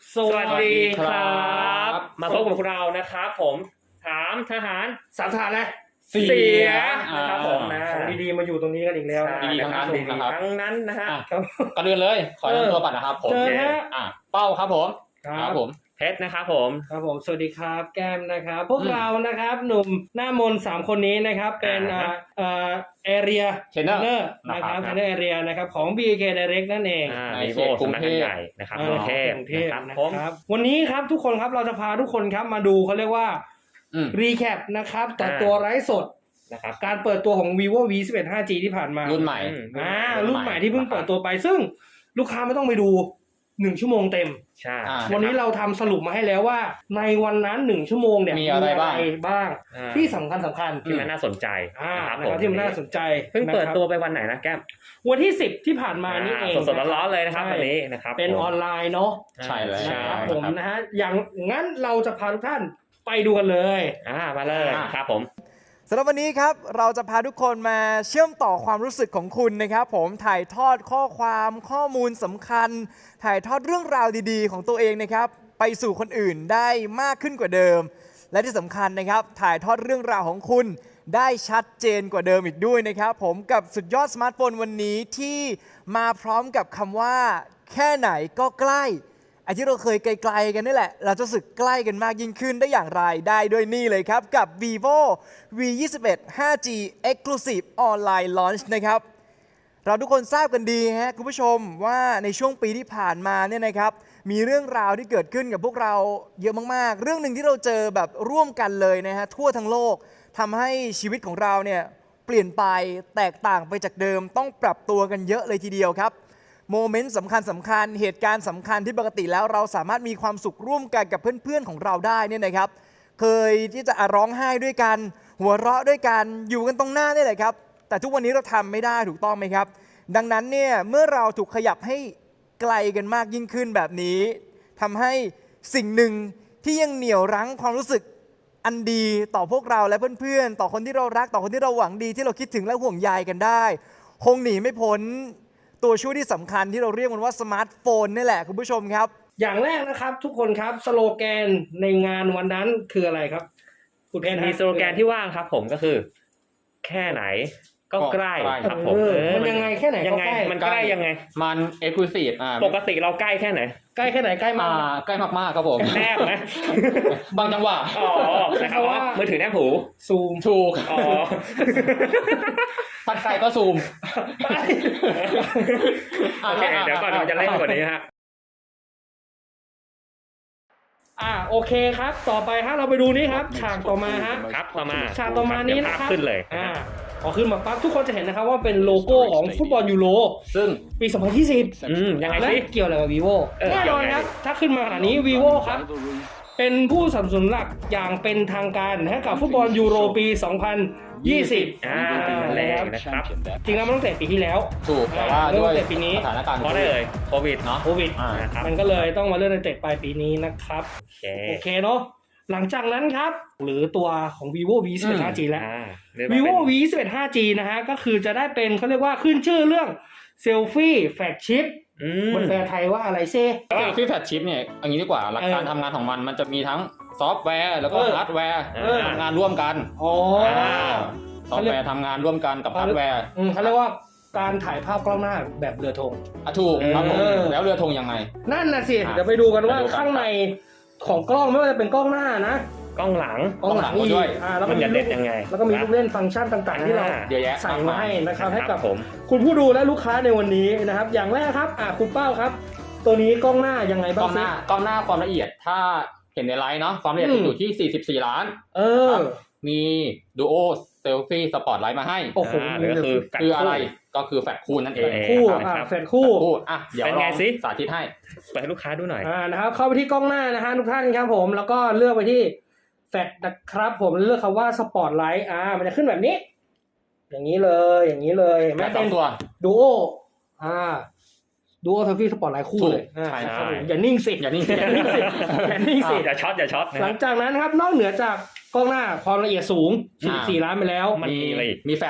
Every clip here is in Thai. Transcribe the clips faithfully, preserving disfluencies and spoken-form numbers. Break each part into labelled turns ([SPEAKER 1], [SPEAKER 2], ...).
[SPEAKER 1] สวัสดีครับมาพบกับเรานะครับผมถามทหารสามทหารนะเสียนะครับผมนะของดีๆมาอยู่ตรงนี้กันอีกแล้ว
[SPEAKER 2] ดีทั้งนั้นนะครับ
[SPEAKER 1] ทั้งนั้นนะฮะ
[SPEAKER 2] ก่อนอื่นเลยขอแนะนำตัวก่อนนะครับผมอ่ะเป้าครับผม
[SPEAKER 1] ครับผมเพชรนะครับผม
[SPEAKER 3] ครับผมสวัสดีครับแก้มนะครับพวกเรานะครับหนุ่มหน้ามนสามคนนี้นะครับเป็นอ่าอ่าแอเรียเทรนเนอร์นะครับเทรนเนอร์แอเรียนะครับของ บี เค Direct นั่นเอง
[SPEAKER 1] ในเขตกรุงเทพนะครับกรุงเทพ
[SPEAKER 3] นะครับวันนี้ครับทุกคนครับเราจะพาทุกคนครับมาดูเขาเรียกว่ารีแคปนะครับต่อตัวไร้สดนะครับการเปิดตัวของ vivo วี สิบเอ็ด ห้าจี ที่ผ่านมา
[SPEAKER 2] รุ่นใหม่
[SPEAKER 3] อ่ารุ่นใหม่ที่เพิ่งเปิดตัวไปซึ่งลูกค้าไม่ต้องไปดูหนึ่งชั่วโมงเต็ม
[SPEAKER 1] ใช่
[SPEAKER 3] วันนี้เราทำสรุปมาให้แล้วว่าในวันนั้นหนึ่งชั่วโมงเนี่ย
[SPEAKER 2] มีอะไรบ้าง
[SPEAKER 3] บ้างที่สำคัญสำคัญ
[SPEAKER 1] ที่มันน่าสนใจ
[SPEAKER 3] นะครับที่มันน่าสนใจ
[SPEAKER 1] เพิ่งเปิดตัวไปวันไหนนะแก้ม
[SPEAKER 3] วันที่สิบที่ผ่านมานี่เอง
[SPEAKER 1] สดๆร้อนๆเลยนะครับวันนี้นะครับ
[SPEAKER 3] เป็นออนไลน์เนาะ
[SPEAKER 2] ใช่เลย
[SPEAKER 3] ครับผมนะฮะอย่างงั้นเราจะพาทุกท่านไปดูกันเลย
[SPEAKER 1] อ่ามาเลยครับผม
[SPEAKER 4] สำหรับวันนี้ครับเราจะพาทุกคนมาเชื่อมต่อความรู้สึกของคุณนะครับผมถ่ายทอดข้อความข้อมูลสำคัญถ่ายทอดเรื่องราวดีๆของตัวเองนะครับไปสู่คนอื่นได้มากขึ้นกว่าเดิมและที่สำคัญนะครับถ่ายทอดเรื่องราวของคุณได้ชัดเจนกว่าเดิมอีกด้วยนะครับผมกับสุดยอดสมาร์ทโฟนวันนี้ที่มาพร้อมกับคำว่าแค่ไหนก็ใกล้ไอ้ที่เราเคยไกลๆกันนี่แหละเราจะสึกใกล้กันมากยิ่งขึ้นได้อย่างไรได้ด้วยนี่เลยครับกับ vivo วี ยี่สิบเอ็ด ห้าจี Exclusive Online Launch นะครับเราทุกคนทราบกันดีฮะคุณผู้ชมว่าในช่วงปีที่ผ่านมาเนี่ยนะครับมีเรื่องราวที่เกิดขึ้นกับพวกเราเยอะมากๆเรื่องหนึ่งที่เราเจอแบบร่วมกันเลยนะฮะทั่วทั้งโลกทำให้ชีวิตของเราเนี่ยเปลี่ยนไปแตกต่างไปจากเดิมต้องปรับตัวกันเยอะเลยทีเดียวครับโมเมนต์สำคัญสำคัญเหตุการณ์สำคัญที่ปกติแล้วเราสามารถมีความสุขร่วมกันกับเพื่อนๆของเราได้เนี่ยนะครับเคยที่จะร้องไห้ด้วยกันหัวเราะด้วยกันอยู่กันตรงหน้านี่แหละครับแต่ทุกวันนี้เราทำไม่ได้ถูกต้องไหมครับดังนั้นเนี่ยเมื่อเราถูกขยับให้ไกลกันมากยิ่งขึ้นแบบนี้ทำให้สิ่งหนึ่งที่ยังเหนี่ยวรั้งความรู้สึกอันดีต่อพวกเราและเพื่อนๆต่อคนที่เรารักต่อคนที่เราหวังดีที่เราคิดถึงและห่วงใยกันได้คงหนีไม่พ้นตัวช่วยที่สำคัญที่เราเรียกมันว่าสมาร์ทโฟนนี่แหละคุณผู้ชมครับ
[SPEAKER 3] อย่างแรกนะครับทุกคนครับสโลแกนในงานวันนั้นคืออะไรครับ
[SPEAKER 1] คุณเพชรมีสโลแกนที่ว่างครับผมก็คือแค่ไหนก็ใกล้ครับผม
[SPEAKER 3] มันยังไงแค่ไหน
[SPEAKER 1] ยังไงมันใกล้ยังไง
[SPEAKER 2] มันเอ็กซ์คลูซีฟอ่า
[SPEAKER 1] ปกติเราใกล้แค่ไหน
[SPEAKER 3] ใกล้แค่ไหนใกล้มาก
[SPEAKER 2] ใกล้มากๆครับผม
[SPEAKER 1] แนบไหม
[SPEAKER 2] บางจังหวะ
[SPEAKER 1] อ๋อนะครับว่ามือถือแนบหู
[SPEAKER 3] ซูม
[SPEAKER 2] ถูก
[SPEAKER 1] อ๋อ
[SPEAKER 2] พัดไกลก็ซูม
[SPEAKER 1] โอเคเดี๋ยวก่อนเราจะเล่นกว่านี้ฮะ
[SPEAKER 3] อ่าโอเคครับต่อไปฮะเราไปดูนี่ครับฉากต่อมาฮะ
[SPEAKER 1] ครับต่อมา
[SPEAKER 3] ฉากต่อมานี้นะครับ
[SPEAKER 1] ขึ้นเลย
[SPEAKER 3] อ่าพอขึ้นมาปั๊บทุกคนจะเห็นนะครับว่าเป็นโลโก้ของฟุตบอลยูโร
[SPEAKER 2] ซึ่ง
[SPEAKER 3] ปีสองพันยี่สิบ
[SPEAKER 1] อืมยังไงสิ
[SPEAKER 3] เกี่ยวอะไรกับ vivo แน่นอนครับถ้าขึ้นมาขนาดนี้ vivo ครับเป็นผู้สนับสนุนหลักอย่างเป็นทางการให้กับฟุตบอลยูโรปีสองพันยี่สิบ
[SPEAKER 1] อ่าแล้วนะครับ
[SPEAKER 3] จริงแล้วมันตั้งแต่ปีที่แล้ว
[SPEAKER 2] ถูกแต่ว่าด้วย
[SPEAKER 3] ปีนี้
[SPEAKER 2] สถานการณ์
[SPEAKER 1] เพราะได้เลยโควิดเนาะ
[SPEAKER 3] โควิดมันก็เลยต้องมาเลื่อนในเตะปลายปีนี้นะครับโอเคเนาะหลังจากนั้นครับหรือตัวของ vivo วี สิบเอ็ด ห้าจี แล้ว vivo วี สิบเอ็ด ห้าจี นะฮะก็คือจะได้เป็นเขาเรียกว่าขึ้นชื่อเรื่องเซลฟี่แฟลกชิพมันแปลไทยว่าอะไรเซ่
[SPEAKER 2] เซลฟี่แฟลกชิพเนี่ยอย่างนี้ดีกว่าหลักการทำงานของมันมันจะมีทั้งซอฟต์แวร์แล้วก็ฮาร์ดแวร์ทำงานร่วมกัน
[SPEAKER 3] อ๋อ
[SPEAKER 2] ซอฟต์แวร์ทำงานร่วมกันกับฮาร์ดแวร์
[SPEAKER 3] เขาเรียกว่าการถ่ายภาพกล้องหน้าแบบเรือธง
[SPEAKER 2] อ่ะถูกครับผมแล้วเรือธงยังไง
[SPEAKER 3] นั่นน่ะสิเดี๋ยวไปดูกันว่าข้างในของกล้องไม่ว่าจะเป็นกล้องหน้านะ
[SPEAKER 1] กล้องหลัง
[SPEAKER 3] กล้องหลัง
[SPEAKER 2] ด้วย
[SPEAKER 3] แล้ว
[SPEAKER 1] มันจะเด็ดยังไง
[SPEAKER 3] แล้วก็มีลูกเล่นฟังก์ชันต่างๆที่เราใส่มาให้นะครับให้กับคุณผู้ดูและลูกค้าในวันนี้นะครับอย่างแรกครับอ่ะคุณเป้าครับตัวนี้กล้องหน้ายังไงบ้าง
[SPEAKER 2] กล้องหน้ากล้องหน้าความละเอียดถ้าเห็นในไลฟ์เนาะความละเอียดอยู่ที่สี่สิบสี่ล้าน
[SPEAKER 3] เออ
[SPEAKER 2] มีดูโอเซลฟี่สปอตไลท์มาให้
[SPEAKER 3] โอ้โห
[SPEAKER 2] ก็คือคืออะไรก็คือแฟลชคู่นั่นเอง
[SPEAKER 3] คู่อ่ะแฟลชคู่
[SPEAKER 2] อ่ะเดี๋ยวลองสาธิตให้
[SPEAKER 1] เปิดให้ลูกค้าดูหน่อย
[SPEAKER 3] อ่านะครับเข้าไปที่กล้องหน้านะฮะทุกท่านครับผมแล้วก็เลือกไปที่แฟลชนะครับผมเลือกคำว่าสปอตไลท์อ่ามันจะขึ้นแบบนี้อย่างนี้เลยอย่างนี้เลย
[SPEAKER 2] ไม่เป็นตัว
[SPEAKER 3] ดูโออ่าดูโอเซลฟี่สปอตไลท์คู่เลย
[SPEAKER 2] ใช่ครับ
[SPEAKER 3] อย่านิ่งสิ
[SPEAKER 2] อย่านิ่งสิ
[SPEAKER 3] อย่านิ่งสิอย่านิ่งสิ
[SPEAKER 1] อย่าช็อตอย่าช็อต
[SPEAKER 3] หลังจากนั้นครับนอกเหนือจากกล้องหน้าความละเอียดสูงสี่สิบสี่ล้านไปแล้ว
[SPEAKER 2] มีมีแฟลช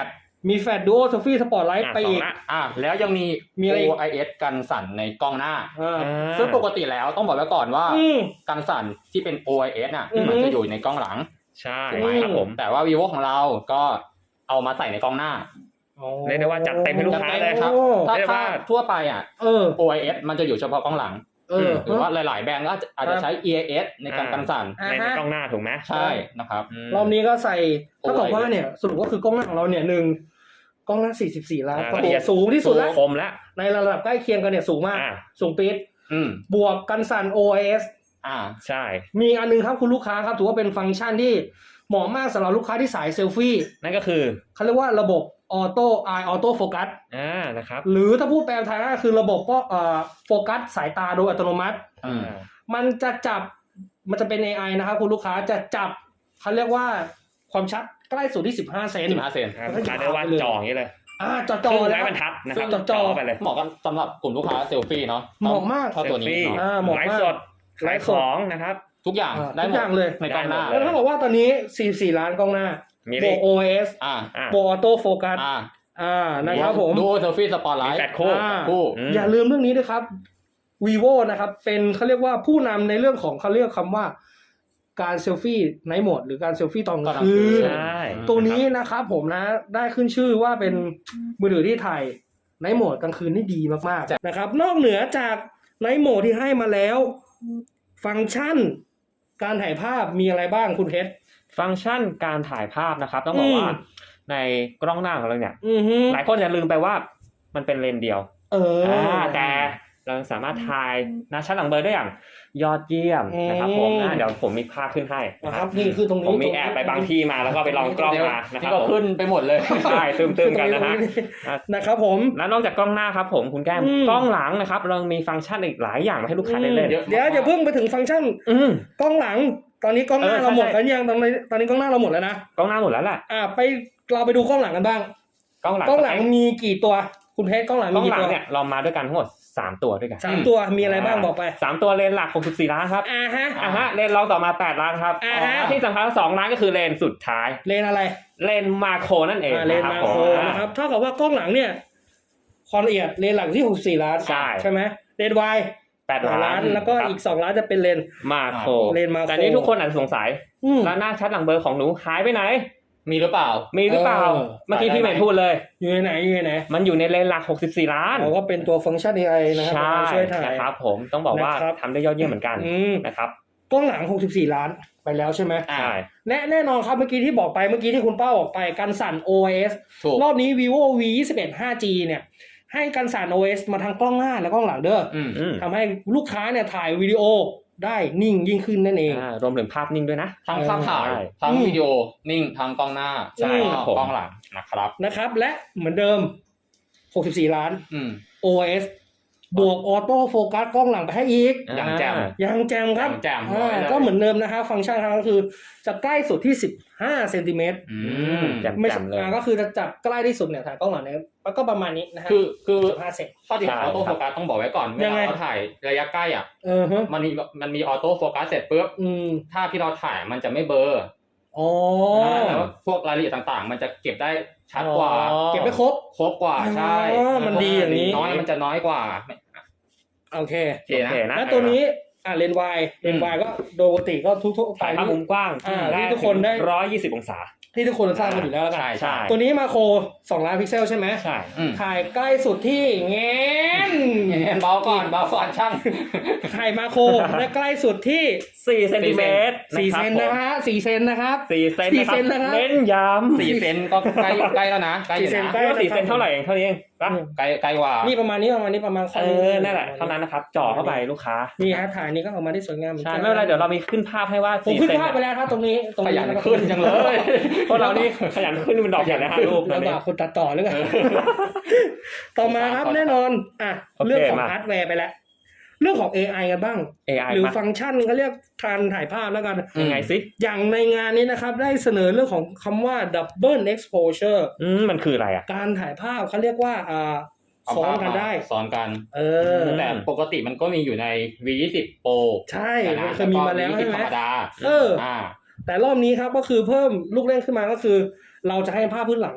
[SPEAKER 3] มีแฟลชดูโอเซลฟี่สปอตไลท์
[SPEAKER 1] อ่ะ
[SPEAKER 3] ไป
[SPEAKER 1] สอ
[SPEAKER 3] อี
[SPEAKER 1] ง
[SPEAKER 3] ก
[SPEAKER 1] ละ
[SPEAKER 2] อ่าแล้วยังมี
[SPEAKER 3] มีอะไรอีก
[SPEAKER 2] โอ ไอ เอส กันสั่นในกล้องหน้า
[SPEAKER 3] อ่า
[SPEAKER 2] ซึ่งปกติแล้วต้องบอกไว้ก่อนว่า
[SPEAKER 3] อืม
[SPEAKER 2] กันสั่นที่เป็น โอ ไอ เอส น่ะ
[SPEAKER 3] อือฮึ
[SPEAKER 2] มันจะอยู่ในกล้องหลัง
[SPEAKER 1] ใช่
[SPEAKER 2] ถูกไหม
[SPEAKER 1] ครับผม
[SPEAKER 2] แต่ว่า vivo ของเราก็เอามาใส่ในกล้องหน้า
[SPEAKER 1] เรียกได้ว่าจัดเต็มให้ลูกค้าเลย
[SPEAKER 2] ครับ
[SPEAKER 3] โอ้
[SPEAKER 2] ถ้า
[SPEAKER 1] เรียก
[SPEAKER 2] ถ้า
[SPEAKER 1] ว่า
[SPEAKER 2] ทั่วไปอ่ะ
[SPEAKER 3] เออ
[SPEAKER 2] โอ ไอ เอส มันจะอยู่เฉพาะกล้องหลัง
[SPEAKER 3] เออ
[SPEAKER 2] หรือว่าหลาย ๆ แบรนด์ก็อาจจะใช้ อี ไอ เอส ในการกันสั่น
[SPEAKER 3] อ่า
[SPEAKER 1] ใน
[SPEAKER 3] ฮะ
[SPEAKER 1] กล้องหน้าถูกไหม
[SPEAKER 2] ใช่นะครับ
[SPEAKER 1] ม
[SPEAKER 3] รอบนี้ก็ใส่ถ้ากับ
[SPEAKER 2] โอ้ย
[SPEAKER 3] ว่าเนี่ยสรุปว่าคือกล้องหน้าของเราเนี่ยหนึ่งกล้องหน้าสี่สิบสี่ล้าน
[SPEAKER 1] อ่า
[SPEAKER 3] ก็
[SPEAKER 1] ละเอียด
[SPEAKER 3] สูงที่สุดแล้ว
[SPEAKER 1] คมแล้ว
[SPEAKER 3] ในระดับใกล้เคียงกันเนี่ยสูงมาก
[SPEAKER 1] อ่า
[SPEAKER 3] สูงปี๊ด
[SPEAKER 2] อืม
[SPEAKER 3] บวกกันสั่น โอ ไอ เอส
[SPEAKER 2] อ่า
[SPEAKER 1] ใช่
[SPEAKER 3] มีอันนึงครับคุณลูกค้าครับถือว่าเป็นฟังก์ชันที่เหมาะมากสำหรับลูกค้าที่สายเซลฟี่
[SPEAKER 1] นั่นก็คือ
[SPEAKER 3] เขาเรียกว่าระบบออโต้ไอออโต้โฟกัส
[SPEAKER 1] อ่านะครับ
[SPEAKER 3] หรือถ้าพูดแปลไทยก็คือระบบก็เอ่อโฟกัสสายตาโดยอัตโนมัติ
[SPEAKER 2] อืม
[SPEAKER 3] มันจะจับมันจะเป็น เอ ไอ นะครับคุณลูกค้าจะจับเขาเรียกว่าความชัดใกล้สุดที่สิบห้าเซน
[SPEAKER 2] สิบห้าเซน
[SPEAKER 1] ครับลูกค้าได้ว่าจออย่างนี้เลย
[SPEAKER 3] อ่าจอจ
[SPEAKER 1] ค
[SPEAKER 3] อ
[SPEAKER 1] รึ่ง
[SPEAKER 3] แล้
[SPEAKER 1] ไม้
[SPEAKER 3] ว
[SPEAKER 1] บรรทัดนะครับ
[SPEAKER 3] จอจอ
[SPEAKER 1] ไปเลย
[SPEAKER 2] เหมาะกันสำหรับกลุ่มลูกค้าเซลฟี่เนาะ
[SPEAKER 3] เหมาะมาก
[SPEAKER 2] เท่าตัวนี้
[SPEAKER 1] เซลฟี่
[SPEAKER 2] เนาะ
[SPEAKER 3] อ่าเหมาะ
[SPEAKER 1] ไล
[SPEAKER 3] มาก
[SPEAKER 1] ฟ์สด
[SPEAKER 3] ไล
[SPEAKER 1] ไล
[SPEAKER 3] ฟ์
[SPEAKER 1] ฟ์
[SPEAKER 3] ส
[SPEAKER 1] ข
[SPEAKER 3] ด
[SPEAKER 1] องนะครับ
[SPEAKER 2] ทุกอย่าง
[SPEAKER 3] อ่า
[SPEAKER 2] ได้
[SPEAKER 3] ทุ
[SPEAKER 2] ห
[SPEAKER 3] ก
[SPEAKER 2] ม
[SPEAKER 3] อ
[SPEAKER 2] ด
[SPEAKER 3] ย่างเลย
[SPEAKER 2] ในกล้องหน้า
[SPEAKER 1] ได้
[SPEAKER 3] แล้วถ้าบอกว่าตอนนี้สี่สิบสี่ล้านกล้องหน้า
[SPEAKER 1] มี
[SPEAKER 3] บ
[SPEAKER 1] ดิ
[SPEAKER 3] วก โอ เอส
[SPEAKER 2] อ่า
[SPEAKER 1] อ่า
[SPEAKER 3] บวกออโต้โฟกัส
[SPEAKER 2] อ่า
[SPEAKER 3] อ่านะครับผม
[SPEAKER 2] ดูเซลฟี่สปอตไล
[SPEAKER 1] มี
[SPEAKER 2] ท์
[SPEAKER 1] แฟลชคู่
[SPEAKER 3] อ่า
[SPEAKER 2] คู่
[SPEAKER 1] อืม
[SPEAKER 3] อย่าลืมเรื่องนี้ด้วยครับ vivo นะครับ เป็นเขาเรียกว่าผู้นำในเรื่องของเขาเรียกคำว่าการเซลฟี่ไนท์โหมดหรือการเซลฟี่ตอนกลางคืน
[SPEAKER 1] ใช่
[SPEAKER 3] ตัวนี้นะครับผมนะได้ขึ้นชื่อว่าเป็นมือถือที่ถ่ายไนท์โหมดกลางคืนได้ดีมากๆนะครับ นอกเหนือจากไนท์โหมดที่ให้มาแล้ว ฟังก์ชันการถ่ายภาพมีอะไรบ้างคุณเพชร
[SPEAKER 1] ฟังก์ชันการถ่ายภาพนะครับ ต้องบอกว่า
[SPEAKER 3] อืม
[SPEAKER 1] ในกล้องหน้าของเราเนี่ย
[SPEAKER 3] อือฮึ
[SPEAKER 1] หลายคนจะลืมไปว่ามันเป็นเลนส์เดียว
[SPEAKER 3] เออ
[SPEAKER 1] อ่าแต่เราสามารถถ่ายหน้าชัดหลังเบอร์ได้อย่างยอดเยี่ยมนะครับผม
[SPEAKER 3] อืม
[SPEAKER 1] อ่าเดี๋ยวผมมีภาพขึ้นให้นะ
[SPEAKER 3] นะ
[SPEAKER 1] ค
[SPEAKER 3] ค
[SPEAKER 1] รั
[SPEAKER 3] รับ บนี่คือตรงนี้
[SPEAKER 1] ผมมีแอบไปบางที่มาแล้วก็ไปลองกล้องมานะค
[SPEAKER 2] ที่
[SPEAKER 1] รับ
[SPEAKER 2] ก็
[SPEAKER 1] ผม
[SPEAKER 2] ขึ้นไปหมดเลย
[SPEAKER 1] ใช่ตึมๆกันนะฮะ
[SPEAKER 3] นะครับผม
[SPEAKER 1] แล้วนอกจากกล้องหน้าครับผมคุณแก้ม
[SPEAKER 3] อืม
[SPEAKER 1] กล้องหลังนะครับ เรามีฟังก์ชันอีกหลายอย่างมาให้ลูกค้าได้เล่น
[SPEAKER 2] เยอะ
[SPEAKER 3] เดี๋ยวอย่าเพิ่งไปถึงฟังก์ชัน
[SPEAKER 1] อืม
[SPEAKER 3] กล้องหลัง ตอนนี้กล้องหน้า
[SPEAKER 1] เออใช่
[SPEAKER 3] เราหมด
[SPEAKER 1] ใช่
[SPEAKER 3] แล้วยังตอนนี้ตอนนี้กล้องหน้าเราหมดแล้วนะ
[SPEAKER 1] กล้องหน้าหมดแล้วแหละ
[SPEAKER 3] อ่าไปเราไปดูกล้องหลังกันบ้าง
[SPEAKER 1] กล้องหลัง
[SPEAKER 3] กล้องหลังมีกี่ตัวคุณเพชรกล้องหลัง
[SPEAKER 1] กล้
[SPEAKER 3] มี
[SPEAKER 1] องห
[SPEAKER 3] กี่
[SPEAKER 1] ลัง
[SPEAKER 3] ตัว
[SPEAKER 1] เนี่ยเรามาด้วยกันทั้งหมดสามตัวด้วยกัน
[SPEAKER 3] สามตัวมีอะไรบ้างบอกไป
[SPEAKER 1] สามตัวเลนส์หลักหกสิบสี่ล้านครับ
[SPEAKER 3] อ่าฮะ
[SPEAKER 1] อ่าฮะเลนส์รองต่อมาแปดล้านครับ
[SPEAKER 3] อ่าฮะ
[SPEAKER 1] ที่สำคัญสองล้านก็คือเลนส์สุดท้าย
[SPEAKER 3] เลนอะไร
[SPEAKER 1] เลนส์มาโครนั่นเอง
[SPEAKER 3] อ่าเลน
[SPEAKER 1] นะค
[SPEAKER 3] มา
[SPEAKER 1] รับ
[SPEAKER 3] โคร
[SPEAKER 1] ผม
[SPEAKER 3] นะครับเท่ากับว่ากล้องหลังเนี่ยความละเอียดเลนหลังที่หกสิบสี่ล้าน
[SPEAKER 1] ใช่
[SPEAKER 3] ใช่ไหมเลนวาย
[SPEAKER 1] แปด
[SPEAKER 3] ล้า
[SPEAKER 1] ล้าน
[SPEAKER 3] นแล้วก็
[SPEAKER 1] ครับ
[SPEAKER 3] อีกสองล้านจะเป็นเลน
[SPEAKER 1] มาโคร
[SPEAKER 3] เลนส์มาโคร
[SPEAKER 1] แต่นี้ทุกคนอาจจะสงสัย
[SPEAKER 3] อืม
[SPEAKER 1] แล้วหน้าชัดหลังเบอร์ของหนูหายไปไหน
[SPEAKER 2] มีหรือเปล่า
[SPEAKER 1] มีหรือเปล่า
[SPEAKER 3] เออ
[SPEAKER 1] เมื่อกี้พี่เหมนพูดเลย
[SPEAKER 3] อยู่ในไหนอยู่ในไหน
[SPEAKER 1] มันอยู่ในเลนส์หลักหกสิบสี่ล้าน
[SPEAKER 3] เราก็เป็นตัวฟังก์ชัน เอ ไอ นะครับ
[SPEAKER 1] ใช่
[SPEAKER 3] มาช่วยถ่าย
[SPEAKER 1] นะครับผมต้องบอกว่า
[SPEAKER 3] นะครับ
[SPEAKER 1] ทำได้ยอดเยี่ยมเหมือนกัน
[SPEAKER 3] อืม
[SPEAKER 1] นะครับ
[SPEAKER 3] กล้องหลังหกสิบสี่ล้านไปแล้วใช่ไหม
[SPEAKER 2] อ่า
[SPEAKER 1] ใช่
[SPEAKER 3] แน่แน่นอนครับเมื่อกี้ที่บอกไปเมื่อกี้ที่คุณป้าบอกไปกันสั่น โอ เอส
[SPEAKER 2] ถูก
[SPEAKER 3] รอบนี้ vivo วี ยี่สิบเอ็ด ห้าจี เนี่ยให้กันสั่น โอ เอส มาทั้งกล้องหน้าและกล้องหลังเด้อ
[SPEAKER 2] อืม
[SPEAKER 1] อืม
[SPEAKER 3] ทำให้ลูกค้าเนี่ยถ่ายวิดีโอได้นิ่งยิ่งขึ้นนั่นเอง
[SPEAKER 1] อ่ารวมถึงภาพนิ่งด้วยนะ
[SPEAKER 2] ทั้งภาพถ่าย
[SPEAKER 1] ใช่
[SPEAKER 2] ทั้ง
[SPEAKER 3] อืม
[SPEAKER 2] วิดีโอนิ่งทั้งกล้องหน้า
[SPEAKER 3] ใช่
[SPEAKER 2] แล้ว
[SPEAKER 1] ครั
[SPEAKER 2] ก็
[SPEAKER 1] บผม
[SPEAKER 2] กล้องหลังนะครับ
[SPEAKER 3] นะครับและเหมือนเดิมหกสิบสี่ล้าน
[SPEAKER 2] อืม
[SPEAKER 3] โอ เอส บวกออโต้โฟกัสกล้องหลังไปให้อีก
[SPEAKER 2] อย่างแจ่ม
[SPEAKER 3] ยังแจมครับ
[SPEAKER 2] อย่างแจ่ม
[SPEAKER 3] อ่า
[SPEAKER 2] เลย
[SPEAKER 3] ก็เหมือนเดิมนะครับฟังก์ชันครับก็คือจะใกล้สุดที่สิบห้าเซนติเมตร
[SPEAKER 2] อืม
[SPEAKER 1] แจ่ม
[SPEAKER 3] ไม่
[SPEAKER 1] แจ่มเลย
[SPEAKER 3] อ่าก็คือจะจับใกล้ที่สุดเนี่ยถ่ายกล้องหลังเนี่ยมันก็ประมาณนี้นะฮะ
[SPEAKER 2] คือคือ
[SPEAKER 3] สิบห้าเซน
[SPEAKER 2] ข้อดีของออโต้โฟกัสต้องบอกไว้ก่อนเว
[SPEAKER 3] ยัง
[SPEAKER 2] ลา
[SPEAKER 3] ไง
[SPEAKER 2] เราถ่ายระยะใกล้อ่ะ
[SPEAKER 3] เออฮะ
[SPEAKER 2] มันมีมันมีออโต้โฟกัสเสร็จปุ๊บ
[SPEAKER 3] อืม
[SPEAKER 2] ภาพที่เราถ่ายมันจะไม่เบลอ
[SPEAKER 3] อ๋อ
[SPEAKER 2] แล้วพวกรายละเอียดต่างๆ มันจะเก็บได้ชัดกว่า
[SPEAKER 1] อ๋อ
[SPEAKER 3] เก็บไม่ครบ
[SPEAKER 2] ครบกว่าใช่
[SPEAKER 3] อ๋อมันดีอย่างนี้
[SPEAKER 2] น้อยมันจะน้อยกว่า
[SPEAKER 3] โอเค
[SPEAKER 2] โอเค
[SPEAKER 1] โอเค
[SPEAKER 2] นะ
[SPEAKER 1] นะ
[SPEAKER 3] แล้วตัวนี้อ่าเลนส์วายเลนส์วายก็โดยปกติก็ทุกๆไป
[SPEAKER 1] ถ่ายภาพมุมกว้าง
[SPEAKER 3] อ่าที่ทุกคนได้
[SPEAKER 1] ร้อยยี่สิบองศา
[SPEAKER 3] ที่ทุกคนทราบกันอยู่แล้วแล้วกัน
[SPEAKER 2] ใช่
[SPEAKER 1] ใช่
[SPEAKER 3] ตัวนี้มาโครสองล้านพิกเซลใช่ไหม
[SPEAKER 1] ใช่
[SPEAKER 2] อืม
[SPEAKER 3] ถ่ายใกล้สุดที่แงน
[SPEAKER 2] เบาก่อนเบาก่อนช่าง
[SPEAKER 3] ถ่ายมาโครและใกล้สุดที่
[SPEAKER 1] สี่เซนติเมตร
[SPEAKER 3] สี่
[SPEAKER 1] ะค
[SPEAKER 3] เซ
[SPEAKER 1] รับ
[SPEAKER 3] นนะฮะสี่เซนนะครับ
[SPEAKER 1] สี่เซน
[SPEAKER 3] สี่
[SPEAKER 1] นะค
[SPEAKER 3] เซ
[SPEAKER 1] รับ
[SPEAKER 3] นนะครับ
[SPEAKER 1] เน้นย้ำ
[SPEAKER 2] สี่เซนก็ใกล้ใกล้แล้วนะใกล้อยู่
[SPEAKER 3] สี่เซน
[SPEAKER 2] นะ
[SPEAKER 3] ใกล้
[SPEAKER 1] เรียกว่าสี่เซนเท่าไหร่เองเท่านี้เองปะ
[SPEAKER 2] ใกล้ใกล้กว่า
[SPEAKER 3] นี่ประมาณนี้ประมาณนี้ประมาณ
[SPEAKER 1] เออนั่นแหละเท่านั้นนะครับจ่อเข้าไปลูกค้า
[SPEAKER 3] นี่ฮะถ่ายนี้ก็ออกมาได้สวยงามหอน
[SPEAKER 1] ใช่
[SPEAKER 3] กัน
[SPEAKER 1] ไม่เป็นไรเดี๋ยวเรามีขึ้นภาพให้ว่า
[SPEAKER 3] ผม
[SPEAKER 1] สี่
[SPEAKER 3] ขึ้น
[SPEAKER 1] เซน
[SPEAKER 3] ภาพไปแล้วครับตรงนี้ตรง
[SPEAKER 2] ข
[SPEAKER 3] นี้
[SPEAKER 2] ยันขึ้นจังเลย
[SPEAKER 1] พวกเรานี่ขยันขึ้นเป็นดอกใหญ่เลยฮะรูปตอน
[SPEAKER 3] ลำ
[SPEAKER 1] นี้
[SPEAKER 3] บากคนตัดต่อหรือไงต่อมาครับแน่นอนอ่ะ
[SPEAKER 1] โอเค
[SPEAKER 3] เรื่องของ
[SPEAKER 1] มา
[SPEAKER 3] ฮาร์ดแวร์ไปแล้วเรื่องของ เอ ไอ กันบ้าง
[SPEAKER 1] เอ ไอ
[SPEAKER 3] หรือ
[SPEAKER 1] มา
[SPEAKER 3] ฟังก์ชันเขาเรียกการถ่ายภาพแล้วกัน
[SPEAKER 1] ยังไงสิ
[SPEAKER 3] อย่างในงานนี้นะครับได้เสนอเรื่องของคำว่า double exposure
[SPEAKER 1] อืมมันคืออะไรอ่ะ
[SPEAKER 3] การถ่ายภาพเขาเรียกว่าอ่าซ้อนกันได้
[SPEAKER 2] ซ้อนกัน
[SPEAKER 3] เออ
[SPEAKER 2] แต่ปกติมันก็มีอยู่ใน วี ยี่สิบ Pro
[SPEAKER 3] ใช่
[SPEAKER 2] แต่
[SPEAKER 3] มัน
[SPEAKER 2] นะ
[SPEAKER 3] เคยมีมาแล้ว
[SPEAKER 2] ก็
[SPEAKER 3] ใช่ไหม
[SPEAKER 2] ธรรมดา
[SPEAKER 3] เออ
[SPEAKER 2] อ่า
[SPEAKER 3] แต่รอบนี้ครับก็คือเพิ่มลูกเล่นขึ้นมาก็คือ เราจะให้ภาพพื้นหลัง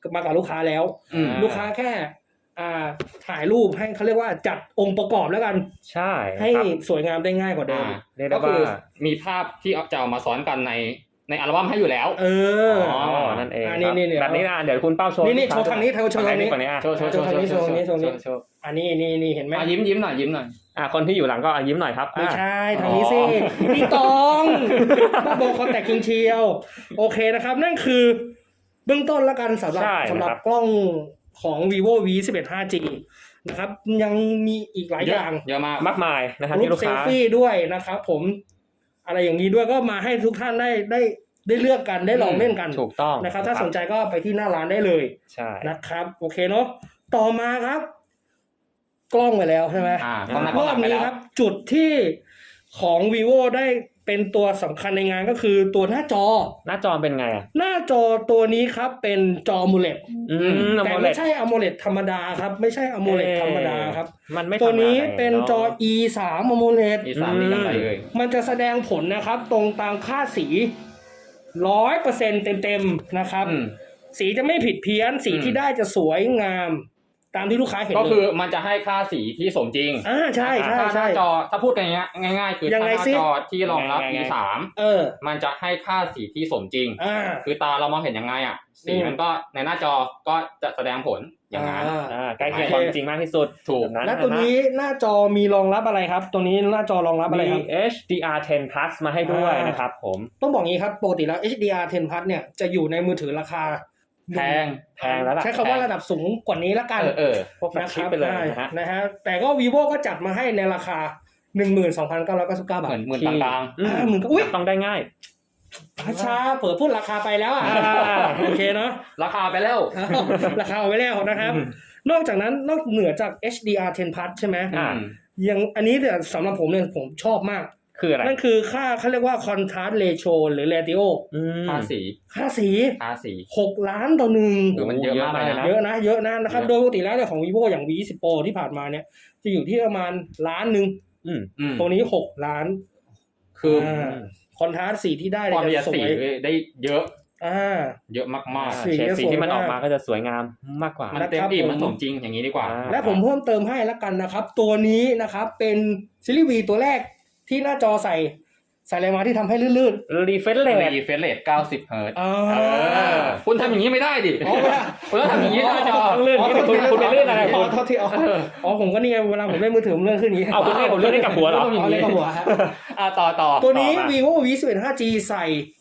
[SPEAKER 3] มากับลูกค้าแล้ว
[SPEAKER 2] อืม
[SPEAKER 3] ลูกค้าแค่อ่าถ่ายรูปให้เขาเรียกว่าจัดองค์ประกอบแล้วกัน
[SPEAKER 1] ใช่
[SPEAKER 3] ให้
[SPEAKER 1] ครับ
[SPEAKER 3] สวยงามได้ง่ายกว่าเดิม
[SPEAKER 2] อ่า
[SPEAKER 1] เรียกได้
[SPEAKER 2] ก็คือ
[SPEAKER 1] ว่า
[SPEAKER 2] มีภาพที่เอาจะเอามาซ้อนกันในในอัลบั้มให้อยู่แล้ว
[SPEAKER 3] เออ
[SPEAKER 1] อ๋อนั่นเอง
[SPEAKER 3] อ่า
[SPEAKER 1] ครับ
[SPEAKER 3] นี่ๆๆ
[SPEAKER 1] แบบนี้นะเดี๋ยวคุณเป้าโชว์
[SPEAKER 3] นี่นี่
[SPEAKER 1] ลูกค้
[SPEAKER 3] โชว์ทางนี้เธอโชว์ทางนี้
[SPEAKER 1] ฝั่งนี้อ่ะ
[SPEAKER 2] โชว์โชว์โชว์
[SPEAKER 3] โชว์
[SPEAKER 2] โชว์
[SPEAKER 3] โชว์โชว์
[SPEAKER 2] โชว์โชว์
[SPEAKER 3] อันนี้นี่นี่เห็นไหม
[SPEAKER 2] อ่ะยิ้มยิ้มหน่อยยิ้มหน่อย
[SPEAKER 1] อ่ะคนที่อยู่หลังก็อ่ะยิ้มหน่อยครับ
[SPEAKER 3] ไม่
[SPEAKER 1] อ่ะ
[SPEAKER 3] ใช่ทางนี้สิพี่ตองบ้าบอคอนแทคคิงเชียวโอเคนะครับ นั่นคือเบื้องต้นแล้วกันสำหรับ
[SPEAKER 1] ใช่
[SPEAKER 3] สำหรับ
[SPEAKER 1] นะครับ
[SPEAKER 3] กล้องของ vivo วี สิบเอ็ด ห้าจี นะครับยังมีอีกหลายอย่าง
[SPEAKER 2] เยอะมาก
[SPEAKER 1] มากมายนะครับ
[SPEAKER 3] รู
[SPEAKER 1] ที่
[SPEAKER 3] ป
[SPEAKER 1] ลูก
[SPEAKER 3] เซล
[SPEAKER 1] ค้า
[SPEAKER 3] ฟี่ด้วยนะครับผมอะไรอย่างนี้ด้วยก็มาให้ทุกท่านได้ได้ได้เลือกกันได้ลองเล่นกัน
[SPEAKER 1] ถูกต้อง
[SPEAKER 3] นะครับ ถ้าสนใจก็ไปที่หน้าร้านได้เลย
[SPEAKER 1] ใช่
[SPEAKER 3] นะครับโอเคเนาะต่อมาครับ กล้องไปแล้วใช่ไหม
[SPEAKER 2] อ่าก็หน้าก
[SPEAKER 3] ร
[SPEAKER 2] ล้อง
[SPEAKER 3] อบ
[SPEAKER 2] หลังไป
[SPEAKER 3] นี้
[SPEAKER 2] แล้ว
[SPEAKER 3] ครับ จุดที่ของ vivo ได้เป็นตัวสำคัญในงานก็คือตัวหน้าจอ
[SPEAKER 1] หน้าจอเป็นไงอ่ะ
[SPEAKER 3] หน้าจอตัวนี้ครับเป็นจอ AMOLED
[SPEAKER 1] อืม
[SPEAKER 3] แต่
[SPEAKER 1] AMOLED
[SPEAKER 3] ไม่ใช่ AMOLED ธรรมดาครับ ไม่ใช่ AMOLED ธรรมดาครับ
[SPEAKER 1] มันไม่
[SPEAKER 3] ตัวนี้
[SPEAKER 1] ธรรมดา
[SPEAKER 3] เป็นจอ อี สาม AMOLED
[SPEAKER 2] อีสานนี่ยังไงเอ่ย
[SPEAKER 3] มันจะแสดงผลนะครับ ตรงตามค่าสีร้อยเปอร์เซ็นต์เต็มๆนะครับ
[SPEAKER 2] อืม
[SPEAKER 3] สีจะไม่ผิดเพี้ยนสี
[SPEAKER 2] อืม
[SPEAKER 3] ที่ได้จะสวยงาม ตามที่ลูกค้าเห็น
[SPEAKER 2] ก็คือ
[SPEAKER 3] เลย
[SPEAKER 2] มันจะให้ค่าสีที่สมจริง
[SPEAKER 3] อ่าใช่ใช่
[SPEAKER 2] ถ้าห
[SPEAKER 3] ใช่
[SPEAKER 2] น้าจอถ้าพูดกันง่ายง่ายๆคือ
[SPEAKER 3] ยัง
[SPEAKER 2] ถ้า
[SPEAKER 3] ไง
[SPEAKER 2] หน้า
[SPEAKER 3] สิ
[SPEAKER 2] จอที่รองรับ
[SPEAKER 1] ยังไง
[SPEAKER 2] อี สาม
[SPEAKER 3] เออ
[SPEAKER 2] มันจะให้ค่าสีที่สมจริง
[SPEAKER 3] อ่า
[SPEAKER 2] คือตาเรามองเห็นยังไงอ่ะ สี
[SPEAKER 3] อืม
[SPEAKER 2] มันก็ในหน้าจอก็จะแสดงผลอย่างนั้น
[SPEAKER 3] อ่า
[SPEAKER 1] อ่าใกล้เคียงความจริงมากที่สุด
[SPEAKER 2] ถูก
[SPEAKER 1] แบบนั้น
[SPEAKER 3] และตัวนี้หน้าจอมีรองรับอะไรครับ ตัวนี้หน้าจอรองรับอะไร
[SPEAKER 1] มี
[SPEAKER 3] ครับ
[SPEAKER 1] เอช ดี อาร์ เท็น plus มาให้ด้วยนะครับผม
[SPEAKER 3] ต้องบอกงี้ครับปกติแล้ว เอช ดี อาร์ เท็น plus เนี่ยจะอยู่ในมือถือราคา
[SPEAKER 2] แพง
[SPEAKER 1] แพงแล้วล่ะ
[SPEAKER 3] ใช้คำว่าระดับสูงกว่านี้ละกัน
[SPEAKER 2] เออเออ
[SPEAKER 1] พวกแฟลชชิปไปเลยนะฮะ
[SPEAKER 3] นะฮะแต่ก็ vivo ก็จัดมาให้ในราคา หนึ่งหมื่นสองพันเก้าร้อยเก้าสิบเก้า บา
[SPEAKER 2] เหมื
[SPEAKER 3] ท
[SPEAKER 2] อนเหมือน
[SPEAKER 1] ที่
[SPEAKER 2] กลาง
[SPEAKER 1] อืม
[SPEAKER 3] อ่าหมื่นอุ้ย
[SPEAKER 1] ต้องได้ง่าย
[SPEAKER 3] ช้าๆเปิดพูดราคาไปแล้วอ่ะ
[SPEAKER 1] อ่า
[SPEAKER 3] โอเคเนาะ
[SPEAKER 2] ๆราคาไปแล้ว
[SPEAKER 3] ราคาเอาไว้แล้วนะครับ
[SPEAKER 1] อืม
[SPEAKER 3] นอกจากนั้นนอกเหนือจาก เอช ดี อาร์ เท็น plus ใช่ไหม
[SPEAKER 1] อ่า
[SPEAKER 3] ยังอันนี้เนี่ยสำหรับผมเนี่ยผมชอบมาก
[SPEAKER 1] คืออะไร
[SPEAKER 3] นั่นคือค่าเขาเรียกว่า contrast ratio หรือ ratio
[SPEAKER 1] อืม
[SPEAKER 2] ค่าสี
[SPEAKER 3] ค่าสี
[SPEAKER 2] ค่าสี
[SPEAKER 3] หกล้านต่อหนึ่ง
[SPEAKER 2] หรือมันเยอะมากเลยนะ
[SPEAKER 3] เยอะนะเยอะนะนะครับ
[SPEAKER 2] เยอะ
[SPEAKER 3] โดยปกติแล้วเนี่ยของ vivo อย่าง วี ยี่สิบ pro ที่ผ่านมาเนี่ยจะอยู่ที่ประมาณล้านหนึ่ง
[SPEAKER 1] อืม
[SPEAKER 2] อืม
[SPEAKER 3] ตัวนี้หกล้าน
[SPEAKER 2] คืออ
[SPEAKER 3] คอนทราสต์สีที่ได้
[SPEAKER 2] ความ
[SPEAKER 3] เนี่
[SPEAKER 2] ละเอีย
[SPEAKER 3] ย
[SPEAKER 2] ด
[SPEAKER 3] จะส
[SPEAKER 2] สี
[SPEAKER 3] วย
[SPEAKER 2] ได้เยอะ
[SPEAKER 3] อ่า
[SPEAKER 2] เยอะมาก
[SPEAKER 3] สี
[SPEAKER 1] เฉดสีที่มัน
[SPEAKER 3] สวยมาก
[SPEAKER 1] ออกมาก็จะสวยงามมากกว่า
[SPEAKER 2] ๆ มันเต็ม
[SPEAKER 3] นะครับ
[SPEAKER 2] อิ่ม
[SPEAKER 3] ผม
[SPEAKER 2] มันสมจริงอย่างนี้ดีกว่า
[SPEAKER 1] อ่า
[SPEAKER 3] และผมเพิ่มเติมให้แล้วกันนะครับ ตัวนี้นะครับเป็นซีรีส์ V ตัวแรกที่หน้าจอใส่ใส่อะไรมาที่ทำให้ลื่น
[SPEAKER 1] รีเฟรชเรท
[SPEAKER 2] รีเฟรชเรทเก้าสิบเฮิร์ตซ์
[SPEAKER 3] ๆอ่า
[SPEAKER 2] เออคุณทำอย่างนี้ไม่ได้ดิ
[SPEAKER 3] อ๋อไม่ได้
[SPEAKER 2] คุณต้องทำอย่างนี้หน้าจอ
[SPEAKER 1] ต้องลื่น
[SPEAKER 3] อ๋อ
[SPEAKER 1] คุณคุณคุณไปลื่นอะไร
[SPEAKER 3] อ๋
[SPEAKER 1] คุ
[SPEAKER 3] อ
[SPEAKER 1] ณ
[SPEAKER 3] โทษทีอ๋ออ๋อผมก็นี่ไงเวลาผมเล่นมือถือผมเลื่อนขึ้นอย่างนี้
[SPEAKER 1] เอาคุณให้ผมเลื่อนให้กับหัวเหรอ
[SPEAKER 3] อ๋อเล่นกับหัวฮะ
[SPEAKER 2] อ่ะต่อต่อ
[SPEAKER 3] ตัวนี้
[SPEAKER 1] ต่อมา
[SPEAKER 3] vivo วี สิบเอ็ด ห้าจี ใส่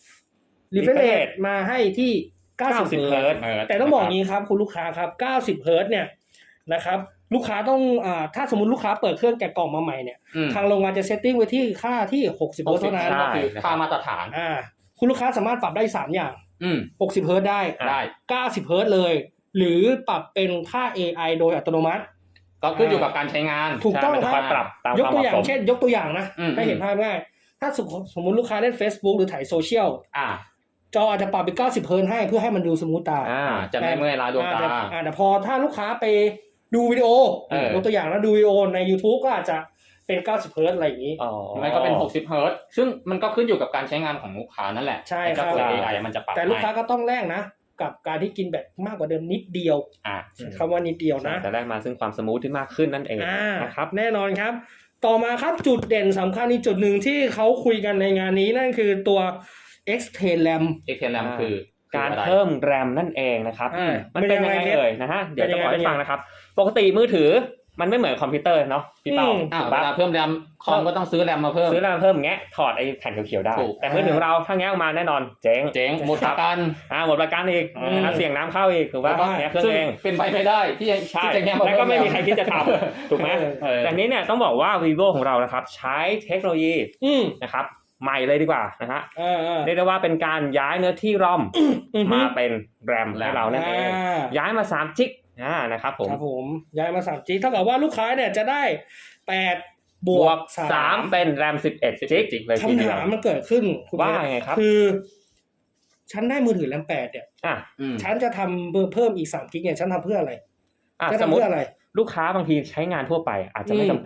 [SPEAKER 3] refresh rate มาให้ที่ เก้าสิบ
[SPEAKER 1] 90
[SPEAKER 3] เฮิร์ตซ์
[SPEAKER 2] เฮิร์ตซ์
[SPEAKER 3] แต่ต้องบอกงี้ครับคุณลูกค้าครับ เก้าสิบ เฮิร์ตซ์เนี่ยนะครับ ลูกค้าต้องอ่าถ้าสมมุติลูกค้าเปิดเครื่องแกะกล่องมาใหม่เนี่ย
[SPEAKER 2] อืม
[SPEAKER 3] ทางโรงงานจะเซตติ้งไว้ที่ค่าที่หกสิบ เฮิร์ตซ์เท่านั้น
[SPEAKER 1] ใช่
[SPEAKER 2] คือค่ามาตรฐาน
[SPEAKER 3] อ่า คุณลูกค้าสามารถปรับได้สามอย่าง
[SPEAKER 2] อืม
[SPEAKER 3] หกสิบ เฮิร์ตซ์ได้
[SPEAKER 2] ได้
[SPEAKER 3] เก้าสิบ เฮิร์ตซ์เลย หรือปรับเป็นค่า เอ ไอ โดยอัตโนมัติ
[SPEAKER 2] ก็ขึ้นอยู่กับการใช้งาน
[SPEAKER 3] ถูกต้อง
[SPEAKER 1] ใช่มันจะ
[SPEAKER 3] ค
[SPEAKER 1] ค
[SPEAKER 3] รั
[SPEAKER 1] อบ ยปรับตาม
[SPEAKER 3] ย
[SPEAKER 1] ค
[SPEAKER 3] ก
[SPEAKER 1] วามเห
[SPEAKER 3] ตัว
[SPEAKER 1] มาะ
[SPEAKER 3] อย่าง
[SPEAKER 1] สม
[SPEAKER 3] เช่น ยกตัวอย่างนะ
[SPEAKER 2] อืม
[SPEAKER 3] ให้เห็นภาพง่ายถ้าสมสมมติลูกค้าเล่น Facebook หรือถ่ายโซเชียล
[SPEAKER 2] อ่า
[SPEAKER 3] จออาจจะปรับเป็นเก้าสิบ เฮิร์ตซ์ให้เพื่อให้มันดูสมูทตา
[SPEAKER 1] อ่า
[SPEAKER 2] จะไม่เมื่อยล้าดวงตา
[SPEAKER 3] อ่แต่อ่แต่พอถ้าลูกค้าไปดูวิดีโอ
[SPEAKER 2] เออ
[SPEAKER 3] ยกตัวอย่างนะดูวิดีโอใน YouTube ก็อาจจะเป็นเก้าสิบ เฮิร์ตซ์อะไรอย่างนี้
[SPEAKER 1] อ๋อ
[SPEAKER 2] ไม่ก็เป็นหกสิบเฮิร์ตซ์ซึ่งมันก็ขึ้นอยู่กับการใช้งานของลูกค้านั่นแหละ
[SPEAKER 3] ใช่
[SPEAKER 2] ไอ้เจ้า
[SPEAKER 3] ครับ
[SPEAKER 2] ตัว เอ ไอ มันจะปรับ
[SPEAKER 3] แต่ลูกค้า
[SPEAKER 2] ให้
[SPEAKER 3] ก็ต้องแลกนะ กับการที่กินแบบมากกว่าเดิมนิดเดียว
[SPEAKER 2] อ่า
[SPEAKER 3] คำว่านิดเดียวนะ
[SPEAKER 1] แต่แรกมาซึ่งความสมูทที่มากขึ้นนั่นเอง
[SPEAKER 3] อ่า
[SPEAKER 1] นะครับ
[SPEAKER 3] แน่นอนครับ ต่อมาครับจุดเด่นสำคัญอีกจุดหนึ่งที่เขาคุยกันในงานนี้นั่นคือตัว Extend RAM
[SPEAKER 2] เอ็กเทนแรมคือ
[SPEAKER 1] การ
[SPEAKER 2] คืออะไ
[SPEAKER 1] เพิ่มแรมนั่นเองนะครับ
[SPEAKER 3] อ่า
[SPEAKER 1] มันเป็นยังไง
[SPEAKER 3] เป็นยังไง
[SPEAKER 1] เอ่ยนะฮะเดี๋ยวจะบอก
[SPEAKER 3] เป็นยังไง
[SPEAKER 1] ให้ฟังนะครับ ปกติมือถือมันไม่เหมือนคอมพิวเตอร์เนาะพี่เป้า
[SPEAKER 3] อืม
[SPEAKER 2] อ่า
[SPEAKER 1] ถูก
[SPEAKER 2] เว
[SPEAKER 1] ปะ
[SPEAKER 2] ลาเพิ่มแรมคอมก็ต้องซื้อแรมมาเพิ่ม
[SPEAKER 1] ซื้อแรมเพิ่มแงะถอดไอ้แผ่นเขียวๆได้
[SPEAKER 2] ถูก
[SPEAKER 1] แต่มือถือของเราถ้าแงะออกมาแน่นอนเจ๊ง
[SPEAKER 2] เจ๊งหมดประกัน
[SPEAKER 1] อ่าหมดประกันอีก
[SPEAKER 3] อืม
[SPEAKER 1] นะครับเสี่ยงน้ำเข้าอีกถูกป่ะ
[SPEAKER 3] ได้
[SPEAKER 1] แงะเครื่อง
[SPEAKER 2] ซึ่ง
[SPEAKER 1] เอง
[SPEAKER 2] เป็นไปไม่ได้ที่จะ
[SPEAKER 1] ใช่
[SPEAKER 2] ที่จะแง่มา
[SPEAKER 1] แล้วก็ไม่มีใคร
[SPEAKER 2] เพิ่
[SPEAKER 1] คิดจะทำถูกไหม
[SPEAKER 2] เออ
[SPEAKER 1] แต่นี้เนี่ยต้องบอกว่า vivo ของเรานะครับใช้เทคโนโลยี
[SPEAKER 3] อืม
[SPEAKER 1] นะครับใหม่เลยดีกว่านะฮะ
[SPEAKER 3] อ่าอ่า
[SPEAKER 1] เรียกได้ว่าเป็นการย้ายเนื้อที่รอม
[SPEAKER 3] อือฮึ
[SPEAKER 1] มาเป็นแรมให้เรานั่นเอง
[SPEAKER 3] อ่า
[SPEAKER 1] ย้ายมาสามจิกอ่านะครับผม
[SPEAKER 3] ครับผมย้ายมาสามจีเท่ากับว่าลูกค้าเนี่ยจะได้แปดบบ ว
[SPEAKER 1] ว
[SPEAKER 3] ก
[SPEAKER 1] ก
[SPEAKER 3] สา
[SPEAKER 1] สาม มเป็นแรมสิบเอ็ดจิกเลยที
[SPEAKER 3] คำ
[SPEAKER 1] เดียว
[SPEAKER 3] ถามมันเกิดขึ้นคุณ
[SPEAKER 1] ว่า
[SPEAKER 3] เน
[SPEAKER 1] ไงครับ
[SPEAKER 3] คือ ฉันได้มือถือแรมแปดเนี่ย
[SPEAKER 1] อ่ะ
[SPEAKER 2] อืม
[SPEAKER 3] ฉันจะทำเพิ่มอีกสามกิกเนี่ยฉันทำเพื่ออะไร
[SPEAKER 1] อ่ะ
[SPEAKER 3] จะ
[SPEAKER 1] สม
[SPEAKER 3] ทำ
[SPEAKER 1] มติ
[SPEAKER 3] เพื่ออะไร
[SPEAKER 1] ลูกค้าบางทีใช้งานทั่วไปอาจจะไม่
[SPEAKER 3] อืม
[SPEAKER 1] จำเป็น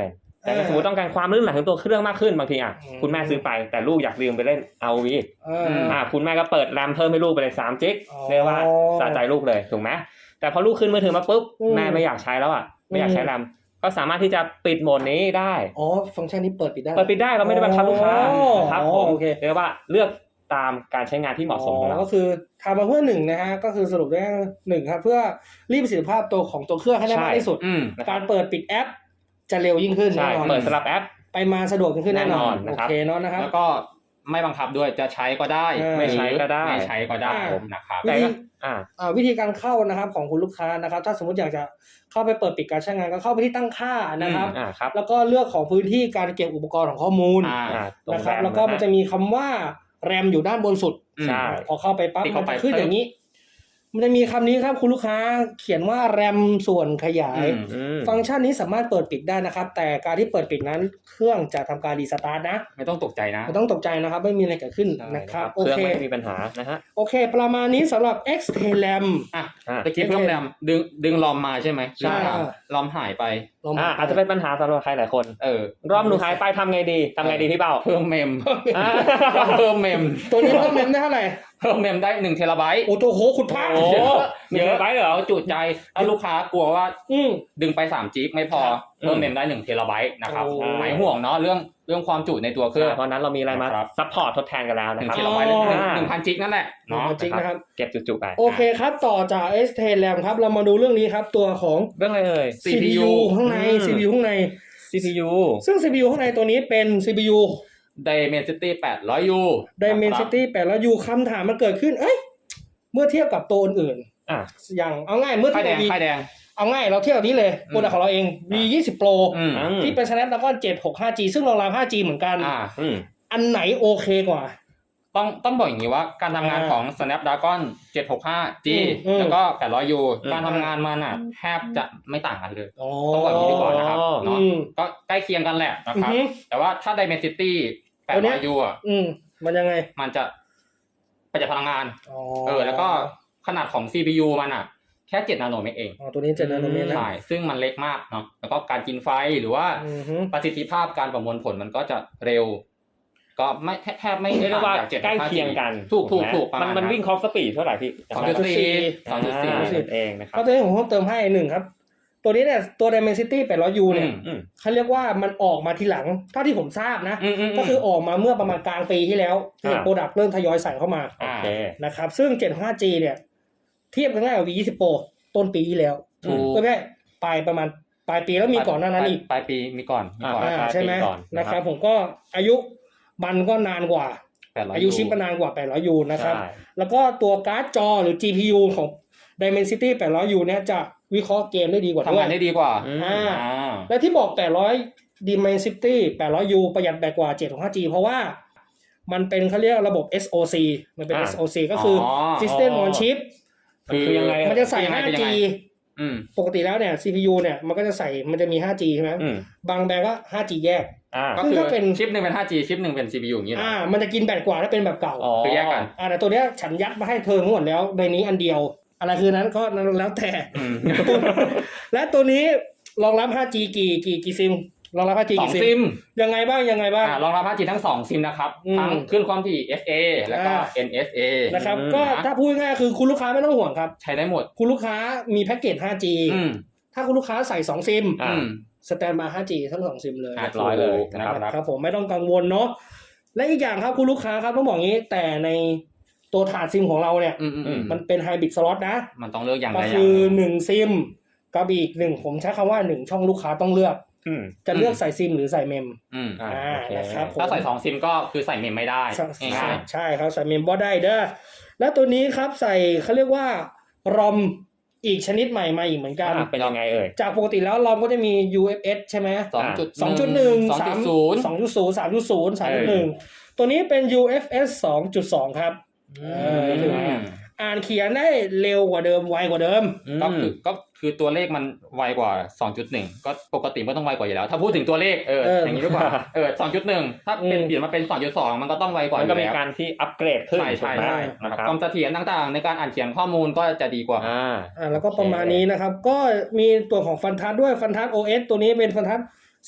[SPEAKER 1] แต่ถ้าสมมติต้องการความลื่นไหลของตัวเครื่องมากขึ้นบางทีอ่ะ
[SPEAKER 3] อืม
[SPEAKER 1] คุณแม่ซื้อไปแต่ลูกอยากลืมไปเล่น อาร์ โอ วี
[SPEAKER 3] เอออ
[SPEAKER 1] อ่าคุณแม่ก็เปิดแรมเพิ่มให้ลูกไปเลยสามจิก
[SPEAKER 3] อ๋อ
[SPEAKER 1] เรียกว่าสะใจลูกเลยถูกไหมแต่พอลูกขึ้นมือถือมาปุ๊บ
[SPEAKER 3] อืม
[SPEAKER 1] แม่ไม่อยากใช้แล้วอ่ะไม่อยากใช้แรมก็สามารถที่จะปิดโหมดนี้ได้
[SPEAKER 3] อ๋อฟังก์ชันนี้เปิดปิดได้
[SPEAKER 1] เปิดปิดได้เราไม่ได้บังคับลูกค้า
[SPEAKER 3] อ๋อ
[SPEAKER 1] ครับผม
[SPEAKER 3] โอเค
[SPEAKER 1] เรียกว่าเลือกตามการใช้งานที่เหมาะสมของเรา
[SPEAKER 3] ก็คือทำมาเพื่อหนึ่งนะฮะก็คือสรุปได้หนึ่งครับเพื่อรีดประสิทธิภาพตัวของตัวเครื่องให้ได้
[SPEAKER 1] ใช่
[SPEAKER 3] มากที่สุด
[SPEAKER 2] อืม
[SPEAKER 3] การเปิดปิดแอป จะเร็วยิ่งขึ้น
[SPEAKER 1] ใช่
[SPEAKER 3] แน่นอน
[SPEAKER 1] เปิดสลับแอป
[SPEAKER 3] ไปมาสะดวกยิ่งขึ้นแน่นอน
[SPEAKER 1] แน่นอนนะ
[SPEAKER 3] โอ
[SPEAKER 1] ครับ
[SPEAKER 3] เคเนาะนะครับ
[SPEAKER 2] แล้วก็ไม่บังคับด้วยจะใช้ก็ได้
[SPEAKER 3] เออ
[SPEAKER 1] ไม่ใช้ก็ได้
[SPEAKER 2] ไม่ใช้ก็ได้
[SPEAKER 3] อ่า
[SPEAKER 2] ผมนะครับ
[SPEAKER 3] วิธี
[SPEAKER 1] อ่า
[SPEAKER 3] อ่าวิธีการเข้านะครับของคุณลูกค้านะครับ ถ้าสมมติอยากจะเข้าไปเปิดปิดการใช้งานก็เข้าไปที่ตั้งค่านะครับ
[SPEAKER 1] อ่าครับ
[SPEAKER 3] แล้วก็เลือกของพื้นที่การเก็บอุปกรณ์ของข้อมูล
[SPEAKER 2] อ่า
[SPEAKER 1] อ่าตรง
[SPEAKER 3] นะครับ
[SPEAKER 1] ร
[SPEAKER 3] แล้วก็มันจะมีคำว่าแรมอยู่ด้านบนสุด
[SPEAKER 1] ใช่
[SPEAKER 3] พอเข้าไปปั๊บ
[SPEAKER 2] ติ๊ก
[SPEAKER 3] มัน
[SPEAKER 2] เข้าไป
[SPEAKER 3] จะขึ้นอย่างนี้ มันจะมีคำนี้ครับคุณลูกค้าเขียนว่าแรมส่วนขยาย
[SPEAKER 2] อืม
[SPEAKER 1] อืม
[SPEAKER 3] ฟังก์ชันนี้สามารถเปิดปิดได้นะครับ แต่การที่เปิดปิดนั้นเครื่องจะทำการรีสตาร์ทนะ
[SPEAKER 2] ไม่ต้องตกใจนะ
[SPEAKER 3] ไม่ต้องตกใจนะครับ ไม่มีอะไรเกิดขึ้น
[SPEAKER 2] ใช่
[SPEAKER 3] นะครับ
[SPEAKER 1] เค
[SPEAKER 3] โอ
[SPEAKER 1] รื่อง
[SPEAKER 3] เค
[SPEAKER 1] ไม่มีปัญหานะฮะ
[SPEAKER 3] โอเค ประมาณนี้สำหรับ X T L A M
[SPEAKER 2] อ่ะ
[SPEAKER 1] อ่า
[SPEAKER 2] ตะกี้เพิ่มแรมดึงดึงลอมมาใช่ไหม
[SPEAKER 3] ใช่
[SPEAKER 2] ลอมหายไป
[SPEAKER 3] ลอง
[SPEAKER 1] อ่าอาจจะเป็นปัญหาสำหรับใครหลายคน
[SPEAKER 2] เออ
[SPEAKER 1] รอบหนูหายไปทำไงดีทำไงดีพี่เบ้า
[SPEAKER 2] เพิ่มเมม
[SPEAKER 1] อ่า
[SPEAKER 2] เพิ่มเมม
[SPEAKER 3] ตัวนี้เพิ่มเมมได้เท่าไหร่
[SPEAKER 2] เพิ่มเมมได้หนึ่งเทราไบต์
[SPEAKER 3] โอ้ตัวโหขุดพาก
[SPEAKER 1] โอ้โหหนึ่ง
[SPEAKER 2] เยอะ
[SPEAKER 1] ไปเหรอ
[SPEAKER 2] เอาจุใจถ้าลูกค้ากลัวว่า
[SPEAKER 3] อืม
[SPEAKER 2] ดึงไปสามจิกไม่พอ
[SPEAKER 1] อืม
[SPEAKER 2] เพิ่มเมมได้หนึ่งเทราไบต์นะครับ
[SPEAKER 3] โอ้
[SPEAKER 2] หายห่วงเนาะเรื่องเรื่องความจุในตัวเครื่อง
[SPEAKER 1] เพราะฉะนั้นเรามีอะไรมา
[SPEAKER 2] ครับ
[SPEAKER 1] ซัพพอร์ตทดแทนกันแล้ว
[SPEAKER 2] ห
[SPEAKER 1] นะ
[SPEAKER 2] นึ่ง
[SPEAKER 1] ครับ
[SPEAKER 2] เทราไบต์เลย
[SPEAKER 3] อ๋อ
[SPEAKER 2] หนึ่งพันจิกนั่นแหละ
[SPEAKER 3] เนาะ
[SPEAKER 2] เนาะ
[SPEAKER 3] จริงนะครับ
[SPEAKER 1] เก็บจุๆไป
[SPEAKER 3] โอเคครับ ต่อจาก X T L A M ครับ เรามาดูเรื่องนี้ครับ ตัวของ
[SPEAKER 1] เรื่องอะไรเอ่ย
[SPEAKER 2] ซี พี ยู
[SPEAKER 3] ข้างใน
[SPEAKER 1] อืม
[SPEAKER 3] ซี พี ยู ข้างใน
[SPEAKER 1] ซี พี ยู
[SPEAKER 3] ซึ่ง ซี พี ยู ข้างในตัวนี้เป็น ซี พี ยู
[SPEAKER 2] Dimensity แปดร้อยยู
[SPEAKER 3] Dimensity แปดร้อยยูคำถามมันเกิดขึ้น เอ้ย เมื่อเทียบกับตัวอื่น
[SPEAKER 1] อ่ะ
[SPEAKER 3] ๆอย่างเอาง่ายเมื่อ
[SPEAKER 2] ค่า
[SPEAKER 3] เที
[SPEAKER 2] ย
[SPEAKER 3] ยบ
[SPEAKER 2] แดง
[SPEAKER 3] กับ V
[SPEAKER 2] ค่ายแดง
[SPEAKER 3] เอาง่ายเราเทียบกับนี้เลย
[SPEAKER 2] อืม
[SPEAKER 3] โปรดักต์ของเราเอง วี ยี่สิบ Pro
[SPEAKER 2] อืม
[SPEAKER 1] อืม
[SPEAKER 3] ที่เป็น Snapdragon เจ็ดหกห้าจี ซึ่งรองรับ ห้าจี เหมือนกัน
[SPEAKER 2] อ่า
[SPEAKER 1] อืม
[SPEAKER 3] อันไหนโอเคกว่า
[SPEAKER 2] ต้องต้องบอกอย่างนี้ว่าการทำงาน
[SPEAKER 3] อ่า
[SPEAKER 2] ของ Snapdragon เจ็ดหกห้าจี
[SPEAKER 3] อืมอืม
[SPEAKER 2] แล้วก็แปดร้อยยู
[SPEAKER 1] อืม
[SPEAKER 2] การทำงานมันอ่ะแทบจะไม่ต่างกันเลย
[SPEAKER 3] อ๋อ
[SPEAKER 2] ต้องบอกอย่างนี้ก่อนนะครับ
[SPEAKER 3] อื
[SPEAKER 2] เนาะ
[SPEAKER 3] ม
[SPEAKER 2] ก็ใกล้เคียงกันแหละนะ
[SPEAKER 3] อื
[SPEAKER 2] ครับ
[SPEAKER 3] อฮึ
[SPEAKER 2] แต่ว่าถ้า Dimensity แปด
[SPEAKER 3] ตัวเนี้
[SPEAKER 2] ร้อย
[SPEAKER 3] ย
[SPEAKER 2] ยูอ่ะ
[SPEAKER 3] อืมมันยังไง
[SPEAKER 2] มันจะประหยัดพลังงาน
[SPEAKER 3] อ๋อ
[SPEAKER 2] เออ แล้วก็ขนาดของ ซี พี ยู มันอ่ะ แค่เจ็ดนาโนเมตรเอง
[SPEAKER 3] อ๋อตัวนี้เจ็ดนาโนเมตรนะ
[SPEAKER 2] ใช่ ซึ่งมันเล็กมากเนาะ แล้วก็การกินไฟหรือว่า
[SPEAKER 3] อือฮึ
[SPEAKER 2] ประสิทธิภาพการประมวลผลมันก็จะเร็ว ก็ไม่แทบแทบไม่
[SPEAKER 1] เรียกได้ว่า
[SPEAKER 2] ต่งจาก
[SPEAKER 1] ใกล้เคียงกัน
[SPEAKER 2] ถูกถูก
[SPEAKER 1] ไหม
[SPEAKER 2] ถูกประ
[SPEAKER 1] มัน
[SPEAKER 2] มาณ
[SPEAKER 1] มันวิ่งคอฟสปีดเท่าไหร่พี่
[SPEAKER 2] สองจุดสี่สองจุดสี่
[SPEAKER 1] อ่านั่นเองนะครั
[SPEAKER 3] ก็
[SPEAKER 1] บ
[SPEAKER 3] ตัวนี้ผมเพิ่มเติมให้หนึ่งครับ ตัวนี้เนี่ยตัว Dimensity แปดร้อยยู
[SPEAKER 2] อื
[SPEAKER 3] เนี่ย
[SPEAKER 2] ม
[SPEAKER 1] อืม
[SPEAKER 3] เขาเรียกว่ามันออกมาทีหลังเท่าที่ผมทราบนะ
[SPEAKER 2] อืมอืม
[SPEAKER 3] ก็คือออกมาเมื่อประมาณกลางปีที่แล้วที่
[SPEAKER 1] อ่า
[SPEAKER 3] โปรดักต์เริ่มทยอยใส่เข้ามา
[SPEAKER 1] โอเค
[SPEAKER 3] นะครับซึ่ง เจ็ดห้าจี เนี่ย เทียบกันง่ายกับ วี ยี่สิบ Pro ต้นปีที่แล้ว
[SPEAKER 2] ถูก
[SPEAKER 3] ไม่ใช่ปลายประมาณปลายปีแล้วมีก่อนหน้านั้นอีก
[SPEAKER 2] ปลายปีมีก่อนมีก่อน
[SPEAKER 1] อ่า
[SPEAKER 3] อ่าใช่ไหม
[SPEAKER 1] ปลายปีก่อนนะ
[SPEAKER 3] นะค
[SPEAKER 1] ครั
[SPEAKER 3] รับบ ผมก็อายุมันก็นานกว่า
[SPEAKER 2] แปดร้อย
[SPEAKER 3] อายุชิปก็นานกว่าแปดร้อยยูนะครับ
[SPEAKER 1] ใช่
[SPEAKER 3] แล้วก็ตัวการ์ดจอหรือ จี พี ยู ของ Dimensity แปดร้อยยู เนี่ยจะวิเคราะห์เกมได้ดีกว่าด้
[SPEAKER 2] ทำ
[SPEAKER 3] วย
[SPEAKER 2] งานได้ดีกว่า
[SPEAKER 1] อืม
[SPEAKER 3] อ่า
[SPEAKER 2] อ่า
[SPEAKER 3] และที่บอกแปดร้อย Dimensity แปดร้อยยู ประหยัดแบตกว่า เจ็ดหกห้าจี เพราะว่ามันเป็นเขาเรียกระบบ เอส โอ ซี มันเป็น
[SPEAKER 1] อ่า
[SPEAKER 3] เอส โอ ซี ก็คืออ
[SPEAKER 2] อ
[SPEAKER 3] System on Chip
[SPEAKER 1] มันคือยังไง
[SPEAKER 3] มันจะใส่
[SPEAKER 2] เป็นยังไง
[SPEAKER 3] ห้า
[SPEAKER 2] เป็นยัง
[SPEAKER 3] จี
[SPEAKER 2] ไง อืม
[SPEAKER 3] ปกติแล้วเนี่ย ซี พี ยู เนี่ยมันก็จะใส่มันจะมี ห้าจี ใช่ไหม
[SPEAKER 1] อืม
[SPEAKER 3] บางแบรนด์ก็ ห้าจี แยก
[SPEAKER 1] อ่า
[SPEAKER 2] ก็
[SPEAKER 3] ซึ่ง
[SPEAKER 2] คือ
[SPEAKER 3] ถ้าเป็น
[SPEAKER 2] ชิปหนึ่งเป็น ห้าจี ชิปหนึ่งเป็น ซี พี ยู อย่างนี้เหรอ
[SPEAKER 3] อ่า มันจะกินแบตกว่าถ้าเป็นแบบเก่า
[SPEAKER 1] อ๋อ
[SPEAKER 2] คือแยกกัน
[SPEAKER 3] อ่าแต่ตัวเนี้ยฉันยัดมาให้เธอทั้งหมดแล้วในนี้อันเดียว อะไรคือนั้นก็แล้วแต่
[SPEAKER 2] อืม
[SPEAKER 3] และตัวนี้รองรับ ห้าจี กี่กี่กี่ซิมรองรับ ห้าจี
[SPEAKER 2] สอง
[SPEAKER 3] กี่ซิ
[SPEAKER 2] ซิ
[SPEAKER 3] ม
[SPEAKER 2] ม
[SPEAKER 3] ยังไงบ้างยังไงบ้าง
[SPEAKER 2] อ่ารองรับ ห้าจี ทั้งสองซิมนะครับ
[SPEAKER 3] อืม
[SPEAKER 2] ทั้งคลื่นความถี่ เอฟ เอ แล้วก็
[SPEAKER 3] อ่า
[SPEAKER 2] เอ็น เอส เอ
[SPEAKER 3] นะครับ
[SPEAKER 1] อืม
[SPEAKER 3] ก็ถ้าพูดง่ายๆคือคุณลูกค้าไม่ต้องห่วงครับ
[SPEAKER 2] ใช้ได้หมด
[SPEAKER 3] คุณลูกค้ามีแพ็กเกจ ห้าจี
[SPEAKER 2] อืม
[SPEAKER 3] ถ้าคุณลูกค้าใส่สองซิม
[SPEAKER 1] อ่า
[SPEAKER 2] อืม
[SPEAKER 3] สแตนบาย ห้าจี ทั้งสองซิมเลย
[SPEAKER 2] อ่ะ
[SPEAKER 1] เรียบร้อยเลย
[SPEAKER 2] นะครับ
[SPEAKER 3] ครับผมไม่ต้องกังวลเนาะและอีกอย่างครับคุณลูกค้าครับต้องบอกงี้แต่ในตัวถาดซิมของเราเนี่ย
[SPEAKER 2] อืมอืมอืม
[SPEAKER 3] มันเป็นไฮบริดสล็อตนะ
[SPEAKER 2] มันต้องเลือกอย่าง
[SPEAKER 3] ก็
[SPEAKER 2] ใดอย่าง
[SPEAKER 3] คือ
[SPEAKER 2] หนึ่ง
[SPEAKER 3] หนึ่งซิมกับอีกหนึ่งผมใช้คำว่าหนึ่งช่องลูกค้าต้องเลือก
[SPEAKER 1] อืม
[SPEAKER 3] จะเลือกใส่ซิมหรือใส่เมม
[SPEAKER 2] อืม
[SPEAKER 1] อ่า
[SPEAKER 3] อ่า
[SPEAKER 1] โอเค
[SPEAKER 3] นะครับผม
[SPEAKER 2] ถ้าใส่สองซิมก็คือใส่เมมไม่ได้
[SPEAKER 3] ใช่
[SPEAKER 2] ง่าย
[SPEAKER 3] ใช่ครับใส่เมมบอได้เด้อแล้วตัวนี้ครับใส่เขาเรียกว่ารอมอีกชนิดใหม่มาอีกเหมือนกัน
[SPEAKER 1] อ่าเป็นยังไงเอ่ย
[SPEAKER 3] จากปกติแล้วรอมก็จะมี ยู เอฟ เอส ใช่ไหม
[SPEAKER 2] ๆสองจุด
[SPEAKER 3] สองจุดหนึ่ง
[SPEAKER 2] สอง
[SPEAKER 3] สา
[SPEAKER 2] จุ
[SPEAKER 3] ม
[SPEAKER 2] ดศูนย์
[SPEAKER 3] สองจุดศูนย์สามจุดศูนย์สามจุดหนึ่งตัวนี้เป็น ยู เอฟ เอส สองจุดสองครับเออถือว่าอ่านเขียนได้เร็วกว่าเดิมไวกว่าเดิม
[SPEAKER 2] ก็คือก็คือตัวเลขมันไวกว่า สองจุดหนึ่ง ก็ปกติมันต้องไวกว่าอยู่แล้ว ถ้าพูดถึงตัวเลขเออ
[SPEAKER 3] เออ
[SPEAKER 2] อ
[SPEAKER 3] อ
[SPEAKER 2] ย่างนี้ดีกว่าเออ สองจุดหนึ่ง ถ้าเป็น
[SPEAKER 3] อืม
[SPEAKER 2] เปลี่ยนมาเป็น สองจุดสอง มันก็ต้องไวกว่าอ
[SPEAKER 1] มันก็
[SPEAKER 2] ยู่
[SPEAKER 1] มี
[SPEAKER 2] แล้ว
[SPEAKER 1] การที่อัปเกรดขึ้น
[SPEAKER 2] ใช่ใช่
[SPEAKER 1] ถูกไหม
[SPEAKER 2] ใช่
[SPEAKER 1] นะ
[SPEAKER 2] ค
[SPEAKER 1] ค
[SPEAKER 2] รั
[SPEAKER 1] รั
[SPEAKER 2] บบ ความเสถียรต่างๆ ในการอ่านเขียนข้อมูลก็จะดีกว่า
[SPEAKER 1] อ่า
[SPEAKER 3] อ่าแล้วก็ประมาณนี้นะครับ ก็มีตัวของฟันทัสด้วยฟันทัส โอ เอส ตัวนี้เป็นฟันทัสสิบเอ็ด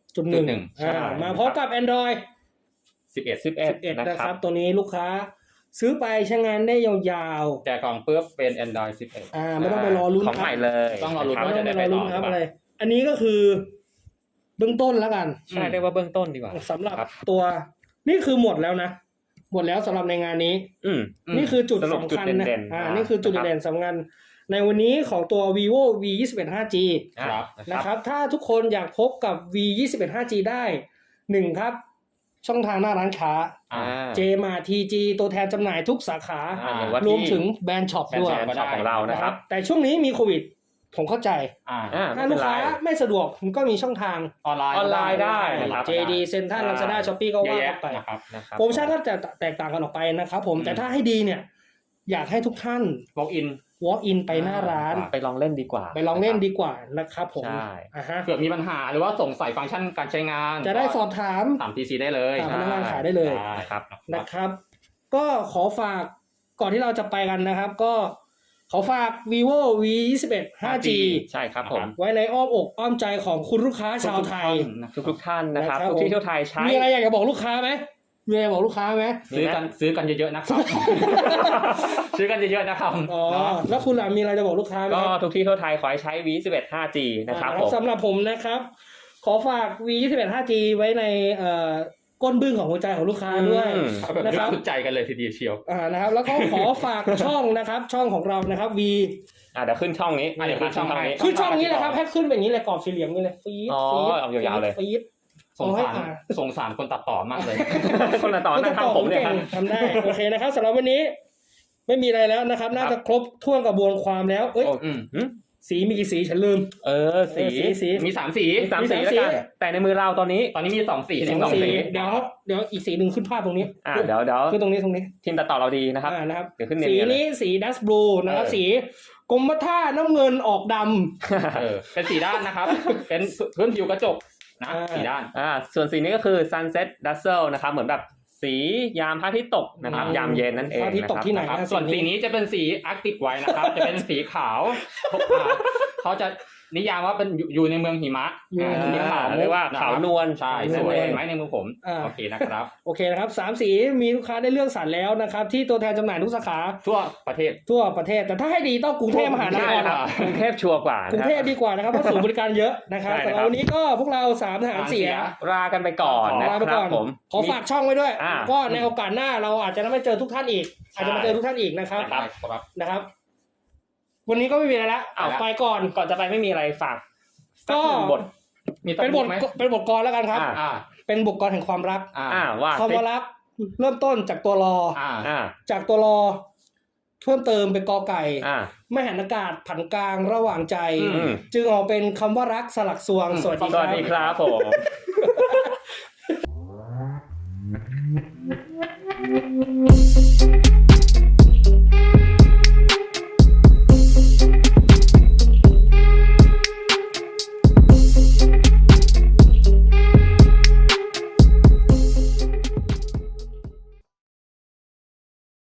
[SPEAKER 3] จุดหนึ่ง
[SPEAKER 2] หนึ่ง
[SPEAKER 3] อ่ามาพร้อมกับ Android
[SPEAKER 2] สิบเอ็ด
[SPEAKER 1] สิบเอ็ด
[SPEAKER 3] สิบเอ็ด
[SPEAKER 1] นะ
[SPEAKER 3] นะ
[SPEAKER 1] ค
[SPEAKER 3] ค
[SPEAKER 1] รั
[SPEAKER 3] รับ บตัวนี้ลูกค้าซื้อไปใช้งานได้ยาวๆ
[SPEAKER 2] แจกกล่องปุ๊บเป็น Android สิบเอ็ด
[SPEAKER 3] อ่าไม่ต้องไปรอลุ้น
[SPEAKER 1] ของ
[SPEAKER 3] ครั
[SPEAKER 1] ให
[SPEAKER 3] บ
[SPEAKER 1] ม่เลย
[SPEAKER 2] ต้องรอลุ้น
[SPEAKER 1] นะค
[SPEAKER 3] ไม่
[SPEAKER 1] บ
[SPEAKER 3] ต้องไปรอลุ้นครับ
[SPEAKER 2] จะได้ไปต่อ
[SPEAKER 3] อะไร อันนี้ก็คือเบื้องต้นแล้วกัน
[SPEAKER 1] ใช่เรียกว่าเบื้องต้นดีกว่า
[SPEAKER 3] สำหรับ
[SPEAKER 1] ครับ
[SPEAKER 3] ตัวนี่คือหมดแล้วนะ หมดแล้วสำหรับในงานนี้
[SPEAKER 1] อืม
[SPEAKER 3] นี่คือจุด
[SPEAKER 1] สรุป
[SPEAKER 3] สำ
[SPEAKER 1] จุด
[SPEAKER 3] คัญนะ
[SPEAKER 1] เด่นๆ
[SPEAKER 3] อ่า
[SPEAKER 1] อ่า
[SPEAKER 3] นี่คือจุด
[SPEAKER 1] นะครับ
[SPEAKER 3] เด่นสำคัญในวันนี้ของตัว vivo v ยี่สิบเอ็ด ห้าจี
[SPEAKER 2] ครับ
[SPEAKER 3] นะครับถ้าทุกคนอยากพบกับ v ยี่สิบเอ็ด ห้าจี ได้หนึ่งครับ ช่องทางหน้าร้านค้า
[SPEAKER 2] อ่า
[SPEAKER 3] เจมาทีจีตัวแทนจำหน่ายทุกสาขา
[SPEAKER 1] อ่าหรือว่าที่
[SPEAKER 3] รวมถึงแบรนด์ช็อปด้วย
[SPEAKER 1] แบรนด์ช็อปของเรานะครับ
[SPEAKER 3] แต่ช่วงนี้มีโควิด ผมเข้าใจ
[SPEAKER 2] อ่า
[SPEAKER 1] อ่า
[SPEAKER 3] ถ้า
[SPEAKER 1] ไม่
[SPEAKER 3] ลู
[SPEAKER 1] เป็น
[SPEAKER 3] ก
[SPEAKER 1] ไร
[SPEAKER 3] ค้าไม่สะดวกผมก็มีช่องทาง
[SPEAKER 2] ออนไลน์
[SPEAKER 1] ออนไลน์ได้นะครับ
[SPEAKER 3] เจ ดี Central
[SPEAKER 1] ใช่
[SPEAKER 3] Lazada Shopee ก็
[SPEAKER 2] เยอะ
[SPEAKER 3] ว่า
[SPEAKER 2] แยะ
[SPEAKER 3] กันไป
[SPEAKER 2] นะครับ
[SPEAKER 1] นะครับ
[SPEAKER 3] โปรโมชั่นก็จะแตกต่างกันออกไปนะครับผม
[SPEAKER 2] อืม
[SPEAKER 3] แต่ถ้าให้ดีเนี่ย อยากให้ทุกท่าน
[SPEAKER 2] walk in
[SPEAKER 3] walk in ไปหน้าร้าน
[SPEAKER 1] ไปลองเล่นดีกว่า
[SPEAKER 3] ไปลองเล่นดีกว่านะครับผม
[SPEAKER 1] ใช่
[SPEAKER 3] อ่าฮะ
[SPEAKER 2] เผื่อมีปัญหาหรือว่าสงสัยฟังก์ชันการใช้งาน
[SPEAKER 3] จะได้สอบถาม
[SPEAKER 2] ถาม ที ซี ได้เลย
[SPEAKER 3] ถามพนักงานขายได้เลย
[SPEAKER 2] ใช่
[SPEAKER 1] นะครับ
[SPEAKER 3] นะครับ ก็ขอฝากก่อนที่เราจะไปกันนะครับ ก็ขอฝาก vivo v ยี่สิบเอ็ด ห้าจี
[SPEAKER 1] ใช่ครับผม
[SPEAKER 3] ไว้ในอ้อมอกอ้อมใจของคุณลูกค้าชาวไทย
[SPEAKER 1] ทุกทุกๆท่านนะครับ
[SPEAKER 3] นะครับ
[SPEAKER 1] ทุกที่ทั่วไทยใช้
[SPEAKER 3] มีอะไรอยากจะบอกลูกค้าไหมมีอะไรบอกลูกค้าไหม
[SPEAKER 2] ซื้อกันซื้อกันเยอะๆนะครับ ซื้อกันเยอะๆนะครับ
[SPEAKER 3] อ๋อ
[SPEAKER 2] เนาะ
[SPEAKER 3] แล้วคุณล่ะมีอะไรจะบอกลูกค้าไหม
[SPEAKER 1] ก็
[SPEAKER 3] ครับ
[SPEAKER 1] ทุกที่ทั่วไทยขอให้ใช้ วี สิบเอ็ด ห้าจี นะครับ
[SPEAKER 3] อ่า
[SPEAKER 1] ผม
[SPEAKER 3] สำหรับผมนะครับ ขอฝาก v ยี่สิบเอ็ด ห้าจี ไว้ในเอ่อก้นบึ้งของหัวใจของลูกค้าด้วย
[SPEAKER 1] อืม
[SPEAKER 2] เอาแบบ
[SPEAKER 3] นะครับ
[SPEAKER 2] สุดใจกันเลยทีเดียวเชียว
[SPEAKER 3] อ่านะครับ แล้วก็ขอฝากช่องนะครับ ช่องของเรานะครับ V
[SPEAKER 1] อ่ะเดี๋ยวขึ้นช่องนี้
[SPEAKER 2] อ่ะเดี๋ยวขึ้นช่องให้
[SPEAKER 1] นี้
[SPEAKER 3] คือช่องนี้แหละครับให้ขึ้นแบบนี้เลยกรอบสี่เหลี่ยมนี่เลยฟีด
[SPEAKER 1] อ๋อ
[SPEAKER 3] ฟีด
[SPEAKER 1] เอายาวๆเลย
[SPEAKER 3] ฟีด
[SPEAKER 2] สงสาร
[SPEAKER 3] เอาให้อ่าน
[SPEAKER 2] สงสารคนตัดต่อมากเลย
[SPEAKER 1] คนละตอนนั่งทำผมเนี่ยครับ
[SPEAKER 3] ทำได้โอเคนะครับสำหรับวันนี้ ไม่มีอะไรแล้วนะครับ น่าจะครบถ้วนกระบวนความแล้วเอ้ย
[SPEAKER 1] โอ้
[SPEAKER 2] อืม
[SPEAKER 1] หึ
[SPEAKER 3] สีมีกี่สีฉันลืม
[SPEAKER 1] เออสี
[SPEAKER 3] เออสีสี
[SPEAKER 2] มีสามสี
[SPEAKER 1] มีสาม
[SPEAKER 3] มี
[SPEAKER 1] สี
[SPEAKER 3] สาม
[SPEAKER 1] แล้ว
[SPEAKER 3] สี
[SPEAKER 1] กันแต่ในมือเราตอนนี้
[SPEAKER 2] ตอนนี้มีสองสี
[SPEAKER 3] สอง
[SPEAKER 2] สอง
[SPEAKER 3] สี
[SPEAKER 2] สี
[SPEAKER 3] เดี๋ยวเดี๋ยวอีกสีหนึ่งขึ้นภาพตรงนี้
[SPEAKER 1] อ่ะเดี๋ยวเดี๋ยว
[SPEAKER 3] ขึ้นตรงนี้ตรงนี้
[SPEAKER 1] ทีมตัดต่อเราดีนะครับ
[SPEAKER 3] อ่านะครับ
[SPEAKER 1] เดี๋ยวขึ้นเนียนๆ
[SPEAKER 3] สี
[SPEAKER 1] เลย
[SPEAKER 3] นี้สีดัสบลูนะครับ
[SPEAKER 1] เออ
[SPEAKER 3] สีกรมท่าน้ำเงินออกดำ
[SPEAKER 2] เออเป็นสีด้านนะครับ เป็นพื้นผิวกระจกนะ
[SPEAKER 3] อ่า
[SPEAKER 2] สีด้าน
[SPEAKER 1] อ่าส่วนสีนี้ก็คือ sunset dazzle นะครับเหมือนแบบสียามพระอาทิตย์ตกนะครับ
[SPEAKER 3] อืม
[SPEAKER 1] ยามเย็นนั่นเอง
[SPEAKER 3] พระอาทิตย์ตกที่ไหน
[SPEAKER 1] นะครับ
[SPEAKER 3] อ่ะ
[SPEAKER 2] ส่วนสีนี้จะเป็นสีอาร์กติกไว้นะครับ จะเป็นสีขาวอ่าเขาจะนิยามว่าเป็นอยู่อยู่ในเมืองหิมะ
[SPEAKER 3] อยู่ใน
[SPEAKER 2] อ่า
[SPEAKER 3] เมื
[SPEAKER 2] สี
[SPEAKER 3] อง
[SPEAKER 2] ขาว
[SPEAKER 1] เรียกว่า
[SPEAKER 2] ะคบ
[SPEAKER 1] ขาวนวล
[SPEAKER 2] ใช่
[SPEAKER 3] ส
[SPEAKER 2] ส
[SPEAKER 3] ว
[SPEAKER 2] วย ยเห็นไหมในมือผม
[SPEAKER 3] อ่า
[SPEAKER 2] โอเคนะครับ
[SPEAKER 3] โอเคนะครับสามสีมีลูกค้าได้เลือกสรรแล้วนะครับ ที่ตัวแทนจำหน่ายทุกสาขา
[SPEAKER 2] ทั่วประเทศ
[SPEAKER 3] ทั่วประเทศ แต่ถ้าให้ดีต้องกรุงเทพมหานค
[SPEAKER 1] ใช่
[SPEAKER 3] ร
[SPEAKER 1] ครับกรุงเทพชัวร์กว่าก
[SPEAKER 3] รุงเทพ
[SPEAKER 1] นะ
[SPEAKER 3] ดีกว่านะครับเพราะศูนย์บริการเยอะนะครับ
[SPEAKER 1] ใช่
[SPEAKER 3] สำห
[SPEAKER 1] นะครับ
[SPEAKER 3] รับวันนี้ก็พวกเราสามทหารเสีย
[SPEAKER 1] ลากันไปก่อนนะ
[SPEAKER 3] ลาไป
[SPEAKER 1] ครั
[SPEAKER 3] ก่
[SPEAKER 1] บ
[SPEAKER 3] อน
[SPEAKER 1] ผม
[SPEAKER 3] ขอฝากช่องไว้ด้วย
[SPEAKER 1] อ่า
[SPEAKER 3] ก็ในโอกาสหน้าเราอาจจะไม่เจอทุกท่านอีก อาจจะมาเจอทุกท่านอีกนะครับ
[SPEAKER 2] ได้ครับ
[SPEAKER 3] นะครับ วันนี้ก็ไม่มีอะไรละ
[SPEAKER 1] เอา
[SPEAKER 3] ไปก่อน
[SPEAKER 1] ก่อนจะไปไม่มีอะไรฝากสั
[SPEAKER 3] ก็
[SPEAKER 1] หนึ่งบท
[SPEAKER 2] มีสัก
[SPEAKER 3] เป็นบท
[SPEAKER 2] ไหม
[SPEAKER 3] เป็นบทกรแล้วกันครับ
[SPEAKER 1] อ่า
[SPEAKER 2] อ่า
[SPEAKER 3] เป็นบทกรแห่งความรัก
[SPEAKER 2] อ่า
[SPEAKER 1] อ่าว่า
[SPEAKER 3] คำว่ารักเริ่มต้นจากตัวรอ
[SPEAKER 2] อ่า
[SPEAKER 1] อ่า
[SPEAKER 3] จากตัวรอเพิ่มเติมเป็นกอไก่
[SPEAKER 1] อ่า
[SPEAKER 3] ไม่หันอากาศผันกลางระหว่างใจ
[SPEAKER 1] อืม
[SPEAKER 3] จึงออกเป็นคำว่ารักสลักสวง
[SPEAKER 2] อืม
[SPEAKER 3] สวัสดี
[SPEAKER 1] สวัสดี
[SPEAKER 3] ค
[SPEAKER 1] ครับ รับผม